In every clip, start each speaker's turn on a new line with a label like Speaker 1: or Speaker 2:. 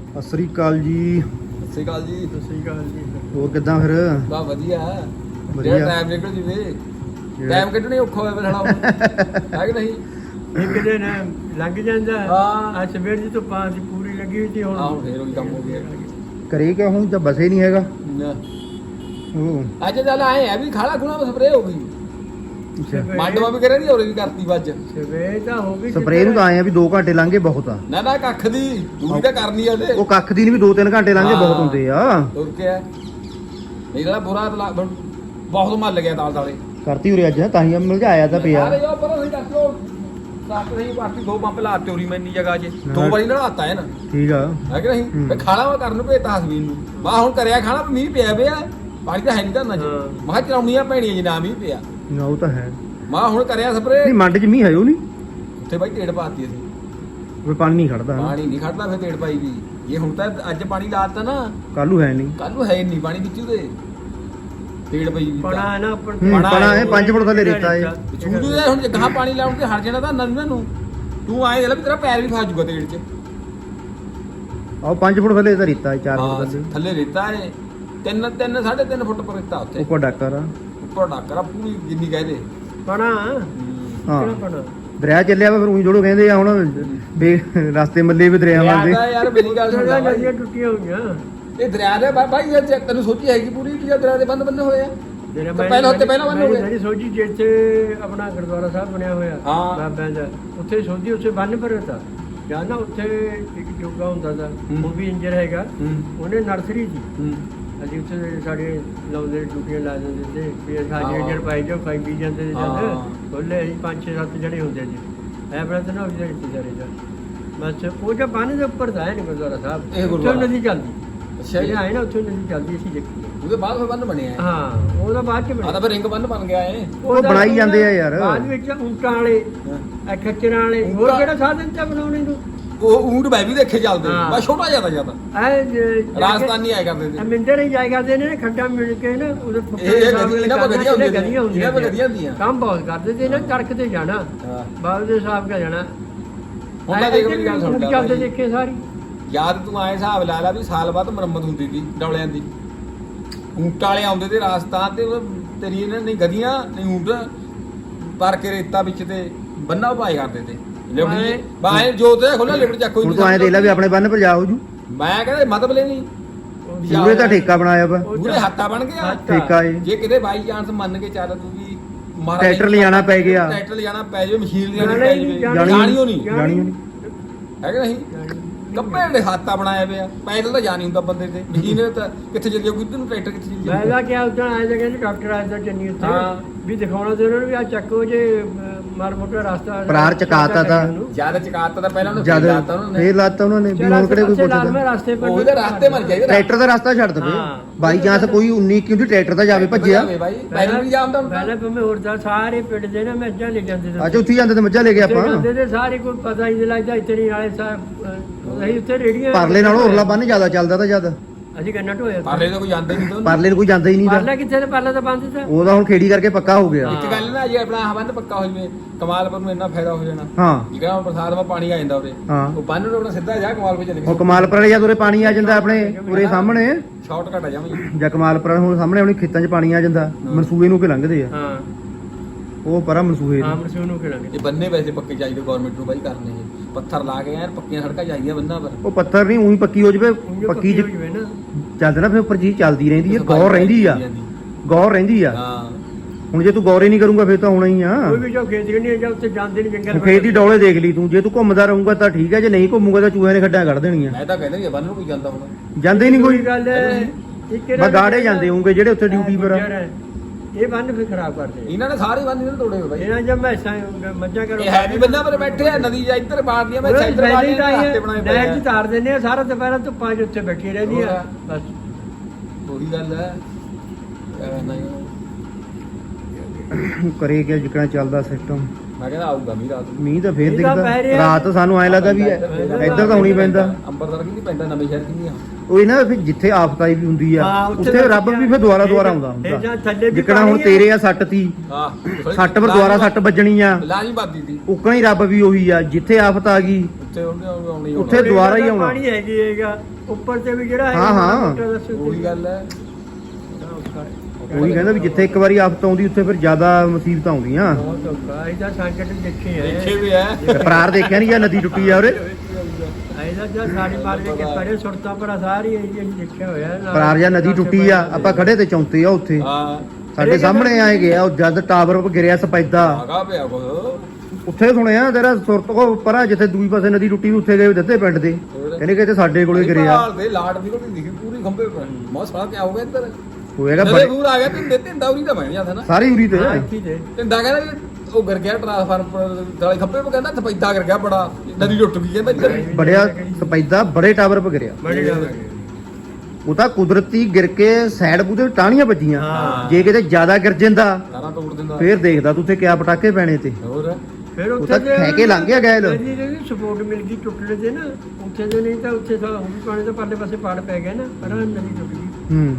Speaker 1: ਸਤਿ ਸ੍ਰੀ ਅਕਾਲ ਜੀ।
Speaker 2: ਸਤਿ ਸ਼੍ਰੀ ਅਕਾਲ ਜੀ।
Speaker 3: ਸਤਿ ਸ੍ਰੀ ਅਕਾਲ ਜੀ।
Speaker 1: ਹੋਰ ਕਿੱਦਾਂ ਫਿਰ?
Speaker 2: ਬਾ ਵਧੀਆ
Speaker 1: ਵਧੀਆ।
Speaker 2: ਜਿਹੜਾ ਟਾਈਮ ਨਿਕਲ ਜਵੇ ਟਾਈਮ ਕੱਢਣਾ ਹੀ ਔਖਾ ਹੋਇਆ ਫਿਰ ਹੈ ਕਿ ਨਹੀਂ?
Speaker 3: ਇੱਕ ਦਿਨ ਲੰਘ ਜਾਂਦਾ।
Speaker 2: ਹਾਂ।
Speaker 3: ਅੱਜ ਸਵੇਰ ਦੀ ਧੁੱਪਾਂ ਦੀ ਪੂਰੀ ਲੱਗੀ ਹੋਈ ਸੀ।
Speaker 2: ਹੁਣ ਫੇਰ ਉਹੀ ਕੰਮ ਹੋ ਗਿਆ।
Speaker 1: ਕਰੇ ਕਿਆ ਹੁਣ ਤਾਂ ਬਸੇ ਨਹੀਂ ਹੈਗਾ।
Speaker 2: ਅੱਜ ਚੱਲ ਆਏ ਆ ਵੀ ਖਾਲਾ ਖੁਣਾ ਸਪਰੇਅ ਹੋ ਗਈ। ਮੰਡਵਾ ਵੀ ਕਰਿਆ ਦੀ ਹੋਰ ਵੀ ਕਰਤੀ ਵੱਜ
Speaker 3: ਸਵੇਰ ਤਾਂ ਹੋ ਗਈ।
Speaker 1: ਸਪਰੇਅ ਨੂੰ ਤਾਂ ਆਏ ਆ ਵੀ 2 ਘੰਟੇ ਲੰਘੇ ਬਹੁਤ ਆ।
Speaker 2: ਨਾ ਕੱਖ ਦੀ ਦੂਰੀ ਤਾਂ ਕਰਨੀ ਆ ਉਹਦੇ।
Speaker 1: ਉਹ ਕੱਖ ਦੀ ਨਹੀਂ ਵੀ 2-3 ਘੰਟੇ ਲੰਘੇ ਬਹੁਤ ਹੁੰਦੇ ਆ।
Speaker 2: ਹੋਰ ਕੀ ਹੈ ਨਹੀਂ ਜਿਹੜਾ ਬੁਰਾ ਬਹੁਤ ਮੱਲ ਗਿਆ ਤਾਲ ਤਾਲੇ
Speaker 1: ਕਰਤੀ ਉਰੇ ਅੱਜ ਤਾਂ ਹੀ ਮਿਲਜਾਇਆ ਤਾਂ ਪਿਆ।
Speaker 2: ਅਰੇ ਉਹ ਪਰ ਅਸੀਂ ਦੱਸ ਲੋ ਸਾਕ ਨਹੀਂ ਬਾਕੀ 2 ਪੰਪ ਲਾ ਚੋਰੀ ਮੈਂ ਇੰਨੀ ਜਗ੍ਹਾ 'ਚ 2 ਵਾਰੀ ਨਹਾਤਾ ਹੈ ਨਾ।
Speaker 1: ਠੀਕ ਆ
Speaker 2: ਹੈ ਕਿ ਨਹੀਂ? ਤੇ ਖਾਣਾ ਵਾ ਕਰਨ ਨੂੰ ਭੇਜਤਾ ਹਸਬੀਨ ਨੂੰ ਮੈਂ ਹੁਣ ਕਰਿਆ ਖਾਣਾ ਮੀਂਹ ਪਿਆ ਪਾਣੀ ਤਾਂ ਹੈ ਨਹੀਂ ਧਰਨਾ 'ਚ। ਮੈਂ ਕਿਹਾ ਚਲਾਉਣੀਆਂ ਪੈਣੀਆਂ ਜੀ ਨਾ ਮੀਂਹ ਪਿਆ।
Speaker 1: ਨਾ ਉਹ ਤਾਂ ਹੈ
Speaker 2: ਮੈਂ ਹੁਣ ਕਰਿਆ ਸਪਰੇ
Speaker 1: ਨਹੀਂ। ਮੰਡ 'ਚ ਮੀਂਹ ਹੈ ਉਹ ਨਹੀਂ
Speaker 2: ਉੱਥੇ ਬਾਈ ਢੇੜ ਪਾਤੀ ਅਸੀਂ।
Speaker 1: ਕੋਈ ਪਾਣੀ ਨਹੀਂ ਖੜਦਾ।
Speaker 2: ਪਾਣੀ ਨਹੀਂ ਖੜਦਾ ਫਿਰ ਢੇੜ ਪਾਈ ਵੀ ਇਹ ਹੁਣ ਤਾਂ ਅੱਜ ਪਾਣੀ ਲਾਤਾ ਨਾ
Speaker 1: ਕੱਲੂ ਹੈ ਨਹੀਂ।
Speaker 2: ਕੱਲ ਨੂੰ ਹੈ ਨਹੀਂ ਪਾਣੀ ਵਿੱਚ ਉਹਦੇ ਢੇੜ ਪਈ ਵੀ
Speaker 3: ਪਣਾ ਹੈ ਨਾ ਉੱਪਰ
Speaker 1: ਪਣਾ ਹੈ 5 ਫੁੱਟ ਥੱਲੇ ਰੇਤਾ ਹੈ।
Speaker 2: ਛੂਦੂ ਦੇ ਹੁਣ ਗਾਂ ਪਾਣੀ ਲਾਉਣ ਤੇ ਹਟ ਜਾਣਾ ਤਾਂ ਨੰਨਾਂ ਨੂੰ ਤੂੰ ਆਏ ਲੈ ਵੀ ਤੇਰਾ ਪੈਰ ਵੀ ਫਸ ਜਾਊਗਾ ਢੇੜ 'ਚ।
Speaker 1: ਆਹ 5 ਫੁੱਟ ਥੱਲੇ ਤਾਂ ਰੇਤਾ ਹੈ 4 ਫੁੱਟ ਥੱਲੇ।
Speaker 2: ਥੱਲੇ ਰੇਤਾ ਹੈ 3.5 ਫੁੱਟ ਪਰ ਰੇਤਾ ਉੱਥੇ
Speaker 1: ਉੱਪਰ ਡਾਕਰ ਆ।
Speaker 2: ਉੱਪਰ ਡਾਕਰਾ ਪੂਰੀ ਜਿੰਨੀ ਕਹਦੇ
Speaker 3: ਪਣਾ
Speaker 1: ਹਾਂ
Speaker 3: ਪਣਾ
Speaker 1: ਦਰਿਆ ਚੱਲਿਆ ਵਾ ਫਿਰ ਉਹੀ ਜੋੜੋ ਕਹਿੰਦੇ ਆ ਹੁਣ ਰਸਤੇ ਮੱਲੇ ਵੀ ਦਰਿਆਵਾਂ ਦੇ।
Speaker 2: ਯਾਰ ਮੇਰੀ ਗੱਲ ਸੁਣ ਲੈ
Speaker 3: ਨਦੀਆਂ ਟੁੱਟੀਆਂ ਹੋਈਆਂ।
Speaker 2: ਇਹ ਦਰਿਆ ਦੇ ਬਾਈ ਇਹ ਤੈਨੂੰ ਸੋਚੀ ਹੈਗੀ ਪੂਰੀ ਕਿ ਦਰਿਆ ਦੇ ਬੰਦ ਹੋਏ ਆ। ਪਹਿਲਾਂ ਬੰਦ ਹੋ ਗਏ।
Speaker 3: ਮੇਰੀ ਸੋਚੀ ਜਿੱਥੇ ਆਪਣਾ ਗੁਰਦੁਆਰਾ ਸਾਹਿਬ ਬਣਿਆ ਹੋਇਆ
Speaker 2: ਹਾਂ।
Speaker 3: ਬਾਬਿਆਂ ਦਾ ਉੱਥੇ ਸੋਚੀ ਉੱਥੇ ਬੰਨ ਭਰਤਾ ਜਾਂ ਨਾ ਉੱਥੇ ਇੱਕ ਜੋਗਾ ਹੁੰਦਾ ਦਾ ਉਹ ਵੀ ਇੰਜਰ ਹੈਗਾ। ਉਹਨੇ ਨਰਸਰੀ ਸੀ ਅਸੀਂ ਉੱਥੇ ਸਾਡੇ ਲਾਉਂਦੇ ਡਿਊਟੀਆਂ ਲਾ ਦਿੰਦੇ ਤੇ ਫਿਰ ਸਾਡੇ ਇੰਜਰ ਪਾਈ ਜੋ ਖਾਈ ਪੀ ਜਾਂਦੇ ਸੀ ਜਦ ਬੋਲੇ ਅਸੀਂ 5-6-7 ਜਣੇ ਹੁੰਦੇ ਸੀ ਐ ਬੜਾ ਤਾਂ ਨਾ ਉਹ ਜਿਹੜੇ ਸਾਰੇ ਦਾ ਬਸ ਉਹ ਜੋ ਬੰਨ ਦੇ ਉੱਪਰ ਦਾ ਹੈ ਨਹੀਂ ਗੁਰਦੁਆਰਾ ਸਾਹਿਬ ਉੱਥੇ ਨਦੀ ਚੱਲਦੀ। ਅੱਛਾ ਜੀ ਆਏ ਨਾ ਉੱਥੇ ਨਦੀ ਚੱਲਦੀ ਅਸੀਂ ਦੇਖੀ।
Speaker 2: ਉਹਦੇ ਬਾਅਦ ਫਿਰ ਬੰਨ ਬਣਿਆ
Speaker 3: ਹਾਂ ਉਹਦਾ ਬਾਅਦ ਚ
Speaker 2: ਆ ਤਾਂ ਫਿਰ ਰਿੰਗ ਬੰਨ ਬਣ ਗਿਆ ਏ।
Speaker 1: ਉਹ ਬਣਾਈ ਜਾਂਦੇ ਆ ਯਾਰ
Speaker 3: ਬਾਅਦ ਵਿੱਚ ਊਂਟਾਂ ਵਾਲੇ ਖੱਚਰਾਂ ਵਾਲੇ ਹੋਰ ਕਿਹੜਾ ਸਾਧਨ ਚ ਬਣਾਉਣੇ ਨੂੰ।
Speaker 2: ਉਹ ਊਂਟ ਮੈਂ ਵੀ ਦੇਖੇ ਚੱਲਦੇ ਬਸ ਛੋਟਾ ਜਿਆਦਾ
Speaker 3: ਐ
Speaker 2: ਰਾਜਸਥਾਨੀ ਆਇਆ ਕਰਦੇ ਸੀ
Speaker 3: ਮਿੰਦਰ ਹੀ ਜਾਇਆ ਕਰਦੇ ਨੇ ਖੱਡਾ ਮਿਲ ਕੇ ਨਾ ਉਹਦੇ
Speaker 2: ਇਹਨਾਂ ਕੋਲ ਗਦੀਆਂ ਹੁੰਦੀਆਂ
Speaker 3: ਕੰਮ ਬਹੁਤ ਕਰਦੇ ਤੇ ਨਾ ਕੜਕ ਤੇ ਜਾਣਾ ਬਾਬੂ ਦੇ ਸਾਹਿਬ ਕਾ ਜਾਣਾ
Speaker 2: ਉਹਨਾਂ ਦੇ ਮੇਰੀ ਗੱਲ ਸੁਣ ਲੈ
Speaker 3: ਚੱਲਦੇ ਦੇਖੇ ਸਾਰੀ
Speaker 2: ਯਾਦ ਤੂੰ ਆਏ ਹਿਸਾਬ ਲਾ ਲਾ ਵੀ ਸਾਲ ਬਾਅਦ ਮੁਰੰਮਤ ਹੁੰਦੀ ਸੀ ਡੌਲਿਆਂ ਦੀ। ਊਂਟ ਵਾਲੇ ਆਉਂਦੇ ਤੇ ਰਾਜਸਥਾਨ ਤੇ ਤੇਰੀ ਇਹਨਾਂ ਨਹੀਂ ਗਦੀਆਂ ਨਹੀਂ ਊਂਟ ਪਰ ਕੇ ਰੇਤਾ ਵਿੱਚ ਤੇ ਬੰਨਾ ਭਾਈ ਕਰਦੇ ਤੇ ਲਿਬੜੀ ਬਾਹਰ ਜੋ ਤੇ ਖੋਲਾ ਲਿਬੜ ਚੱਕ ਕੋਈ
Speaker 1: ਹੁਣ ਤੂੰ ਐਂ ਦੇਖ ਲੈ ਵੀ ਆਪਣੇ ਬੰਨ ਪਰ ਜਾ ਹੋ ਜੂ।
Speaker 2: ਮੈਂ ਕਹਿੰਦਾ ਮਤਲਬ ਲੈ ਨਹੀਂ
Speaker 1: ਪੂਰੇ ਤਾਂ ਠੇਕਾ ਬਣਾਇਆ ਵਾ।
Speaker 2: ਪੂਰੇ ਹੱਥਾ ਬਣ ਗਿਆ
Speaker 1: ਠੇਕਾ ਏ।
Speaker 2: ਜੇ ਕਿਤੇ ਬਾਈ ਚਾਂਸ ਮੰਨ ਕੇ ਚੱਲ ਤੂੰ ਵੀ
Speaker 1: ਟਰੈਕਟਰ ਲਿਜਾਣਾ ਪੈ ਗਿਆ।
Speaker 2: ਟਰੈਕਟਰ ਲਿਜਾਣਾ ਪੈ ਜਾਵੇ ਮਸ਼ੀਨ ਲਿਜਾਣੀ ਪੈ ਜਾਵੇ ਜਾਣੀ ਹੋ ਨਹੀਂ ਹੈ ਕਿ ਨਹੀਂ। ਕੱਪੜੇ ਦੇ ਹਾਤਾ ਬਣਾਇਆ ਪਿਆ ਪੈਦਲ ਤਾਂ ਜਾ ਨਹੀਂ ਹੁੰਦਾ ਬੰਦੇ ਤੇ ਮਸ਼ੀਨ ਤਾਂ ਕਿੱਥੇ ਚੱਲ ਜਾਊਗੀ ਤੈਨੂੰ ਟਰੈਕਟਰ ਕਿੱਥੇ ਚੱਲ ਜਾਊਗਾ।
Speaker 3: ਮੈਂ ਕਿਹਾ ਉਦੋਂ ਆਏ ਜਗ੍ਹਾ ਡਾਕਟਰ ਆਇਆ ਚੰਨੀ ਉੱਥੇ ਵੀ ਦਿਖਾਉਣਾ ਤੇ ਉਹਨਾਂ ਨੂੰ ਵੀ ਆ ਚੱਕੋ ਜੇ ਮਾਰ ਮੋਟਾ ਰਸਤਾ
Speaker 1: ਪਰਾਰ ਚਕਾਤਾ ਤਾਂ
Speaker 2: ਜਿਆਦਾ ਚਕਾਤਾ ਤਾਂ ਪਹਿਲਾਂ ਉਹਨੂੰ
Speaker 1: ਜਦ
Speaker 2: ਲਾਤਾ ਉਹਨਾਂ ਨੇ
Speaker 1: ਫੇਰ ਲਾਤਾ ਉਹਨਾਂ ਨੇ ਵੀ ਹੁਣ ਕਿਹੜੇ ਕੋਈ ਪੁੱਛਦਾ।
Speaker 3: ਰਸਤੇ ਪਰ
Speaker 2: ਉਹਦੇ ਰਸਤੇ ਮਰ ਜਾਈਦਾ
Speaker 1: ਟਰੈਕਟਰ ਦਾ ਰਸਤਾ ਛੱਡ ਦਵੇ ਬਾਈ ਚਾਂਸ ਕੋਈ 19 ਕਿਉਂਕਿ ਟਰੈਕਟਰ ਤਾਂ ਜਾਵੇ ਭੱਜਿਆ
Speaker 2: ਬਾਈ ਪਹਿਲਾਂ ਵੀ ਜਾਂਦਾ ਹੁੰਦਾ
Speaker 3: ਪਹਿਲਾਂ ਭਾਵੇਂ ਹੋਰ ਤਾਂ ਸਾਰੇ ਪਿੰਡ ਦੇ ਨਾ ਮੱਝਾਂ ਲੈ ਜਾਂਦੇ
Speaker 1: ਅੱਜ ਉੱਥੇ ਜਾਂਦੇ ਤੇ ਮੱਝਾਂ ਲੈ ਕੇ ਆਪਾਂ
Speaker 3: ਜਾਂਦੇ ਤੇ ਸਾਰੇ ਕੋਈ ਪਤਾ ਹੀ ਨਹੀਂ ਲੱਗਦਾ ਇਤਨੀ ਵਾਲੇ ਅਸੀਂ ਉੱਥੇ ਰੇੜੀਆਂ
Speaker 1: ਪਰਲੇ ਨਾਲੋਂ ਉਰਲਾ ਬੰਨ ਜ਼ਿਆਦਾ ਚੱਲਦਾ ਤਾਂ ਜ਼ਿਆਦਾ
Speaker 3: ਅਸੀਂ ਕੰਨਾ ਢੋਇਆ
Speaker 2: ਪਰਲੇ ਤਾਂ ਕੋਈ ਜਾਂਦਾ ਨਹੀਂ ਤਾਂ
Speaker 1: ਪਰਲੇ ਨੂੰ ਕੋਈ ਜਾਂਦਾ ਹੀ ਨਹੀਂ
Speaker 3: ਪਰਲਾ ਕਿੱਥੇ ਤੇ ਪਰਲਾ ਤਾਂ ਬੰਦ ਤਾਂ
Speaker 1: ਉਹਦਾ ਹੁਣ ਖੇੜੀ ਕਰਕੇ ਪੱਕਾ ਹੋ ਗਿਆ।
Speaker 2: ਇੱਕ ਗੱਲ ਨਾ ਜੇ ਆਪਣਾ ਬੰਨ ਪੱਕਾ ਹੋ ਜਵੇ ਕਮਾਲਪੁਰ ਨੂੰ ਇੰਨਾ ਫਾਇਦਾ ਹੋ ਜਾਣਾ।
Speaker 1: ਹਾਂ
Speaker 2: ਜਿਹੜਾ ਹੁਣ ਬਰਸਾਤ ਵਿੱਚ ਪਾਣੀ ਆ ਜਾਂਦਾ ਉਹਦੇ
Speaker 1: ਹਾਂ
Speaker 2: ਉਹ ਬੰਨ ਨੂੰ ਆਪਣਾ ਸਿੱਧਾ ਜਾ ਕਮਾਲਪੁਰ ਚਲੇ
Speaker 1: ਉਹ ਕਮਾਲਪੁਰ ਵਾਲੇ ਜਦ ਉਰੇ ਪਾਣੀ ਆ ਜਾਂਦਾ ਆਪਣੇ ਉਰੇ ਸਾਹਮਣੇ
Speaker 2: ਸ਼ਾਰਟਕਟ ਆ ਜਾਵਾਂ
Speaker 1: ਜਾਂ ਕਮਾਲਪੁਰ ਹੁਣ ਸਾਹਮਣੇ ਆਪਣੇ ਖੇਤਾਂ 'ਚ ਪਾਣੀ ਆ ਜਾਂਦਾ ਮਨਸੂਬੇ ਨੂੰ ਕਿ ਲੰਘਦੇ ਆ
Speaker 3: ਹਾਂ
Speaker 1: ਉਹ ਪਰਾਂ ਮਨਸੂਬੇ
Speaker 3: ਆਮ ਰਸੂ ਨੂੰ ਕਿਹੜਾ
Speaker 2: ਇਹ ਬੰਨੇ ਵੈਸੇ ਪੱਕੇ ਚਾਹੀਦੇ ਗਵਰਨਮੈਂਟ ਨੂੰ ਬਾਈ ਕਰਨੇ ਜੀ ਪੱਥਰ ਲਾ ਕੇ ਯਾਰ ਪੱਕੀਆਂ ਸੜਕਾਂ ਚਾਹੀਦੀਆਂ ਬੰਨਾਂ ਪਰ
Speaker 1: ਉਹ ਪੱਥਰ ਨਹੀਂ ਉਹੀ ਪੱਕੀ ਹੋ ਜਵੇ ਪੱਕੀ
Speaker 3: ਹੋ ਜਵੇ ਨਾ
Speaker 1: ਚੱਲਦਾ ਨਾ ਫਿਰ ਉੱਪਰ ਚੀਜ਼ ਚੱਲਦੀ ਰਹਿੰਦੀ ਹੈ ਗੌਰ ਰਹਿੰਦੀ ਆ ਗੌਰ ਰਹਿੰਦੀ ਆ।
Speaker 2: ਹਾਂ
Speaker 1: ਹੁਣ ਜੇ ਤੂੰ ਗੌਰੇ ਨਹੀਂ ਕਰੂੰਗਾ ਫਿਰ ਤਾਂ ਹੋਣਾ ਹੀ ਆ।
Speaker 3: ਕੋਈ ਵੀ ਜੋ ਖੇਤ ਨਹੀਂ ਜਾਂ ਉੱਥੇ ਜਾਂਦੇ ਨਹੀਂ ਜੰਗਲ
Speaker 1: ਖੇਤ ਦੀ ਡੌਲੇ ਦੇਖ ਲਈ ਤੂੰ ਜੇ ਤੂੰ ਘੁੰਮਦਾ ਰਹੂੰਗਾ ਤਾਂ ਠੀਕ ਹੈ ਜੇ ਨਹੀਂ ਘੁੰਮੂਗਾ ਤਾਂ ਚੂਹਿਆਂ ਨੇ ਖੱਡਾਂ ਕੱਢ ਦੇਣੀਆਂ।
Speaker 2: ਮੈਂ ਤਾਂ ਕਹਿੰਦਾ ਵੀ ਬੰਨ ਨੂੰ ਕੋਈ ਜਾਂਦਾ ਹੁਣ
Speaker 1: ਜਾਂਦੇ ਹੀ ਨਹੀਂ ਕੋਈ
Speaker 3: ਗੱਲ
Speaker 1: ਬਸ ਗਾੜੇ ਜਾਂਦੇ ਹੋਣਗੇ ਜਿਹੜੇ ਉੱਥੇ ਡਿਊਟੀ ਪਰ
Speaker 3: ਇਹ ਬੰਨ ਫਿਰ ਖਰਾਬ ਕਰਦੇ
Speaker 2: ਇਹਨਾਂ ਨੇ ਸਾਰੇ ਬੰਨ ਇਹਨਾਂ ਤੋੜੇ ਹੋਏ ਬਾਈ।
Speaker 3: ਇਹਨਾਂ ਜਦ ਮੈਸਾਂ ਮੱਝਾਂ ਕਰੋ
Speaker 2: ਇਹ ਹੈ ਵੀ ਬੰਨਾਂ ਪਰ ਬੈਠੇ ਆ ਨਦੀ ਜਾਂ ਇੱਧਰ ਬਾੜਦੀਆਂ ਮੈਂ ਇੱਧਰ ਬਾੜਦੀਆਂ ਰਸਤੇ ਬਣਾਏ ਪਏ
Speaker 3: ਨਹਿਰ
Speaker 2: ਆ
Speaker 3: 'ਚ ਤਾਰ ਦਿੰਦੇ ਆ ਸਾਰਾ ਦੁਪਹਿਰਾਂ ਧੁੱਪਾਂ 'ਚ ਉੱਥੇ ਬੈਠੀ ਰਹਿੰਦੀ ਆ ਬਸ
Speaker 2: ਉਹੀ ਗੱਲ ਹੈ
Speaker 1: ਕਰੇ ਕਿ ਜਿਕਣਾ ਚੱਲਦਾ ਸਿਸਟਮ
Speaker 2: ਮੈਂ ਕਹਿੰਦਾ ਆਊਗਾ ਮੀਂਹ ਰਾਤ ਨੂੰ।
Speaker 1: ਮੀਂਹ ਤਾਂ ਫੇਰ
Speaker 3: ਮੀਂਹ ਤਾਂ ਪੈ
Speaker 1: ਦਿਖਦਾ
Speaker 3: ਰਿਹਾ।
Speaker 1: ਰਾਤ ਸਾਨੂੰ ਐ ਲੱਗਾ ਵੀ ਇੱਧਰ ਤਾਂ ਹੁਣੀ ਪੈਂਦਾ।
Speaker 2: ਅੰਬਰਸਰ ਕੀ ਪੈਂਦਾ ਨਵੇਂ ਸ਼ਹਿਰ ਕੀ ਆ।
Speaker 1: ਉਹ ਨਾ ਫਿਰ ਜਿੱਥੇ ਆਫਤਾਈ ਵੀ ਹੁੰਦੀ ਆ
Speaker 3: ਹਾਂ, ਉੱਥੇ
Speaker 1: ਉੱਥੇ ਰੱਬ ਵੀ ਫਿਰ ਦੁਆਰਾ ਆਉਂਦਾ
Speaker 3: ਇਹ ਜਾਂ
Speaker 1: ਹੁੰਦਾ।
Speaker 3: ਥੱਲੇ ਵੀ
Speaker 1: ਜਿੱਕਣਾ ਹੁਣ
Speaker 3: ਪਾਣੀ ਆ।
Speaker 1: ਤੇਰੇ ਆ ਸੱਟ ਤੀ
Speaker 2: ਹਾਂ
Speaker 1: ਸੱਟ ਪਰ ਦੁਆਰਾ ਸੱਟ ਵੱਜਣੀ ਆ,
Speaker 2: ਲਾਜੀ ਬਾਦੀ ਦੀ
Speaker 1: ਉਕਣਾ ਹੀ ਰੱਬ ਵੀ ਉਹੀ ਆ। ਜਿੱਥੇ ਆਫਤ ਆ ਗਈ
Speaker 2: ਉੱਥੇ ਉਹਨੇ ਆਉਣੀ
Speaker 1: ਉੱਥੇ
Speaker 2: ਆਉਣਾ।
Speaker 1: ਦੁਬਾਰਾ ਹੀ ਆਉਣਾ।
Speaker 3: ਪਾਣੀ ਹੈਗੀ ਹੈਗਾ ਉੱਪਰ ਤੇ ਵੀ ਜਿਹੜਾ
Speaker 1: ਹਾਂ, ਹਾਂ।
Speaker 2: ਉਹੀ ਗੱਲ ਹੈ।
Speaker 1: ਉਹੀ ਕਹਿੰਦਾ ਵੀ ਜਿੱਥੇ ਇੱਕ ਵਾਰੀ ਆਫਤ ਆਉਂਦੀ ਉੱਥੇ ਫਿਰ ਜ਼ਿਆਦਾ ਮੁਸੀਬਤਾਂ ਆਉਂਦੀਆਂ।
Speaker 3: ਬਹੁਤ ਔਖਾ ਇਹਦਾ ਸੰਕਟ ਦੇਖੇ
Speaker 2: ਦੇਖੇ
Speaker 3: ਹੈ
Speaker 2: ਵੀ ਹੈ।
Speaker 1: ਪਰਾਰ ਦੇਖਿਆ ਨਹੀਂ ਜਾਂ ਨਦੀ ਟੁੱਟੀ ਆ ਉਰੇ।
Speaker 3: ਇਹਦਾ ਜਾਂ ਸਾਡੀ ਮਾਰ ਕੇ ਪਰੇ ਸੁਰਤਾਂ ਪਰ ਸਾਰੀ ਇਹ ਅਸੀਂ ਦੇਖਿਆ ਹੋਇਆ ਨਾਲ।
Speaker 1: ਪਰਾਰ ਜਾਂ ਨਦੀ ਟੁੱਟੀ ਆ, ਆਪਾਂ ਖੜੇ ਤੇ ਚੌਂਤੇ ਆ ਉੱਥੇ
Speaker 2: ਹਾਂ
Speaker 1: ਸਾਡੇ ਸਾਹਮਣੇ ਆਏ ਗਿਆ। ਉਹ ਜਦ ਟਾਵਰ ਗਿਰਿਆ ਸਪੈਦਾ
Speaker 2: ਆਗਾ ਪਿਆ ਕੋ
Speaker 1: ਉੱਥੇ ਸੁਣਿਆ ਤੇਰਾ ਸੁਰਤ ਕੋ ਪਰਾਂ ਜਿੱਥੇ ਦੂਈ ਪਾਸੇ ਨਦੀ ਟੁੱਟੀ ਉੱਥੇ ਗਏ ਦਿੱਤੇ ਪਿੰਡ ਦੇ, ਕਹਿੰਦੇ ਕਿ ਇੱਥੇ ਸਾਡੇ ਕੋਲੇ ਗਿਰਿਆ
Speaker 2: ਭਾਲ ਦੇ ਲਾਟ ਨਿਕਲਦੀ ਦਿਖੀ ਪੂਰੀ ਖੰਭੇ ਪਰ ਮੌਤ ਸਾਲਾ ਕੀ ਹੋ ਗਿਆ ਇੱਧਰ
Speaker 1: ਹੋਏਗਾ
Speaker 2: ਜਦੇ
Speaker 1: ਬੜੇ
Speaker 2: ਦੂਰ ਆ ਗਿਆ ਤਿੰਦਾ ਉਰੀ ਤਾਂ ਬਣ ਜਾਂਦਾ ਨਾ
Speaker 1: ਸਾਰੀ ਉਰੀ ਤੇ
Speaker 3: ਹਾਂ, ਇੱਥੇ ਤੇ
Speaker 2: ਤਿੰਦਾ ਕਹਿੰਦਾ ਵੀ ਉਹ ਗਿਰ ਗਿਆ ਟ੍ਰਾਂਸਫਾਰਮਰ ਵਾਲੇ ਖੰਭੇ ਪਰ ਕਹਿੰਦਾ ਸਪੈਦਾ ਗਿਰ ਗਿਆ ਬੜਾ ਨਦੀ ਟੁੱਟ ਗਈ ਕਹਿੰਦਾ ਇੱਧਰ
Speaker 1: ਬੜਿਆ ਸਪੈਦਾ ਬੜੇ ਟਾਵਰ ਪਰ ਗਿਰਿਆ।
Speaker 3: ਬੜੀ ਗੱਲ
Speaker 1: ਉਹ ਤਾਂ ਕੁਦਰਤੀ ਗਿਰ ਕੇ ਸਾਈਡ ਬੂਦੇ ਟਾਹਣੀਆਂ ਵੱਜੀਆਂ।
Speaker 3: ਹਾਂ।
Speaker 1: ਜੇ ਕਿਤੇ ਜ਼ਿਆਦਾ ਗਿਰ ਜਾਂਦਾ
Speaker 2: ਸਾਰਾ ਤੋੜ ਦਿੰਦਾ
Speaker 1: ਫੇਰ ਦੇਖਦਾ ਤੂੰ ਉੱਥੇ ਕਿਆ ਪਟਾਕੇ ਪੈਣੇ ਤੇ।
Speaker 2: ਹੋਰ
Speaker 3: ਫਿਰ
Speaker 1: ਉਹ ਤਾਂ ਖਹਿ ਕੇ ਲੰਘ ਗਿਆ ਗੈਲ।
Speaker 3: ਜਿਹੜੀ ਸਪੋਰਟ ਮਿਲ ਗਈ ਟੁੱਟਣੇ ਤੇ ਨਾ ਉੱਥੇ ਦੇ ਨਹੀਂ ਤਾਂ ਉੱਥੇ ਤਾਂ ਉਹ ਵੀ ਪਾਣੀ ਤੋਂ ਪਰਲੇ ਪਾਸੇ ਪਾੜ ਪੈ ਗਿਆ ਨਾ ਪਰ ਨਦੀ ਟੁੱਟ ਗਈ।
Speaker 1: ਹੂੰ